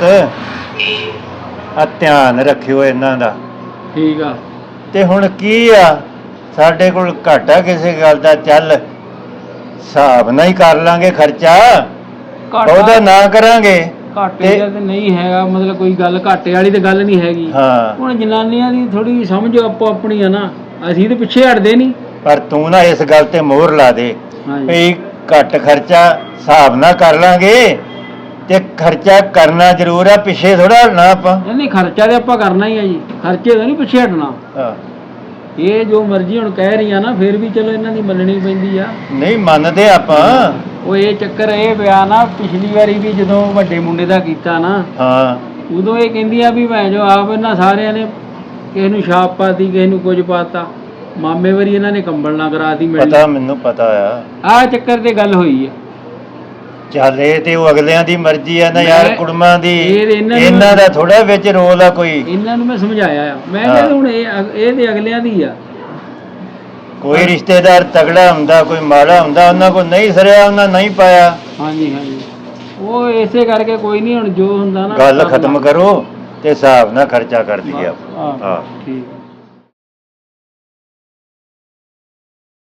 Speaker 2: ਆ ਧਿਆਨ ਰੱਖਿਓ ਇਹਨਾਂ ਦਾ।
Speaker 1: ਠੀਕ ਆ।
Speaker 2: ਤੇ ਹੁਣ ਕੀ ਆ, ਸਾਡੇ ਕੋਲ ਘਾਟਾ ਕਿਸੇ ਗੱਲ ਦਾ, ਚੱਲ ਹਿਸਾਬ ਨਾਲ ਹੀ ਕਰ ਲਾਂਗੇ ਖਰਚਾ, ਉਹਦਾ ਨਾ ਕਰਾਂਗੇ।
Speaker 1: ਘਾਟੇ ਦਾ ਤੇ ਨਹੀਂ ਹੈਗਾ, ਮਤਲਬ ਕੋਈ ਗੱਲ ਘਾਟੇ ਵਾਲੀ ਤੇ ਗੱਲ ਨਹੀਂ ਹੈਗੀ।
Speaker 2: ਹਾਂ,
Speaker 1: ਹੁਣ ਜਨਾਨੀਆਂ ਦੀ ਥੋੜੀ ਸਮਝ ਆਪੋ ਆਪਣੀ ਆ ਨਾ, ਅਸੀਂ ਤੇ ਪਿੱਛੇ ਹਟਦੇ ਨਹੀਂ।
Speaker 2: ਪਰ ਤੂੰ ਨਾ ਇਸ ਗੱਲ ਤੇ ਮੋਹਰ ਲਾ ਦੇ
Speaker 1: ਹਾਂਜੀ
Speaker 2: ਵੀ ਘੱਟ ਖਰਚਾ ਹਿਸਾਬ ਨਾਲ ਕਰ ਲਾਂਗੇ, ਤੇ ਖਰਚਾ ਕਰਨਾ ਜ਼ਰੂਰ ਆ, ਪਿੱਛੇ ਥੋੜਾ ਨਾ ਆਪਾਂ।
Speaker 1: ਨਹੀਂ, ਖਰਚਾ ਤੇ ਆਪਾਂ ਕਰਨਾ ਹੀ ਆ ਜੀ, ਖਰਚੇ ਤੋਂ ਨਹੀਂ ਪਿੱਛੇ ਹਟਣਾ।
Speaker 2: ਹਾਂ,
Speaker 1: ਇਹ ਜੋ ਮਰਜ਼ੀ ਹੁਣ ਕਹਿ ਰਹੀਆਂ ਨਾ, ਫਿਰ ਵੀ ਚਲੋ ਇਹਨਾਂ ਦੀ ਮੰਨਣੀ ਪੈਂਦੀ ਆ।
Speaker 2: ਨਹੀਂ ਮੰਨਦੇ ਆਪਾਂ।
Speaker 1: ਉਹ ਇਹ ਚੱਕਰ ਇਹ ਪਿਆ ਨਾ, ਪਿਛਲੀ ਵਾਰੀ ਵੀ ਜਦੋਂ ਵੱਡੇ ਮੁੰਡੇ ਦਾ ਕੀਤਾ ਨਾ,
Speaker 2: ਹਾਂ,
Speaker 1: ਉਦੋਂ ਇਹ ਕਹਿੰਦੀਆਂ ਵੀ ਮੈਂ ਜੋ ਆਪ ਇਹਨਾਂ ਸਾਰਿਆਂ ਨੇ ਕਿਸੇ ਨੂੰ ਛਾਪ ਪਾਤੀ, ਕਿਸੇ ਨੂੰ ਕੁਝ ਪਾਤਾ। ਮਾਮੇ ਵਾਰੀ ਇਹਨਾਂ ਨੇ ਕੰਬਲ ਨਾ ਕਰਾਤੀ ਮਿਲਣੀ।
Speaker 2: ਪਤਾ ਮੈਨੂੰ ਪਤਾ ਆ।
Speaker 1: ਆਹ ਚੱਕਰ ਤੇ ਗੱਲ ਹੋਈ ਆ।
Speaker 2: ਚੱਲ ਇਹ ਤੇ ਉਹ ਅਗਲਿਆਂ ਦੀ ਮਰਜ਼ੀ ਆ ਨਾ ਯਾਰ,
Speaker 1: ਮੈਂ-
Speaker 2: ਕੁੜਮਾਂ ਦੀ।
Speaker 1: ਇਹ ਇਹਨਾਂ ਨੂੰ-
Speaker 2: ਇਹਨਾਂ ਦਾ ਥੋੜਾ ਵਿੱਚ ਰੋਲ ਆ ਕੋਈ।
Speaker 1: ਇਹਨਾਂ ਨੂੰ ਮੈਂ ਸਮਝਾਇਆ ਆ, ਮੈਂ
Speaker 2: ਹਾਂ।
Speaker 1: ਕਿਹਾ ਹੁਣ ਇਹ ਤੇ ਅਗਲਿਆਂ ਦੀ ਆ।
Speaker 2: ਕੋਈ ਰਿਸ਼ਤੇਦਾਰ ਤਗੜਾ ਹੁੰਦਾ, ਕੋਈ ਮਾੜਾ ਹੁੰਦਾ, ਉਹਨਾਂ ਕੋਲ ਨਹੀਂ ਸਰਿਆ, ਉਹਨਾਂ ਨਹੀਂ ਪਾਇਆ।
Speaker 1: ਹਾਂਜੀ ਹਾਂਜੀ, ਉਹ ਉਹ ਇਸੇ ਕਰਕੇ ਕੋਈ ਨਹੀਂ, ਹੁਣ ਜੋ ਹੁੰਦਾ ਨਾ
Speaker 2: ਗੱਲ ਖਤਮ ਕਰੋ ਤੇ ਹਿਸਾਬ ਨਾਲ ਖਰਚਾ ਕਰ ਲਈਏ
Speaker 1: ਹਾਂ
Speaker 2: ਹਾਂ
Speaker 1: ਠੀਕ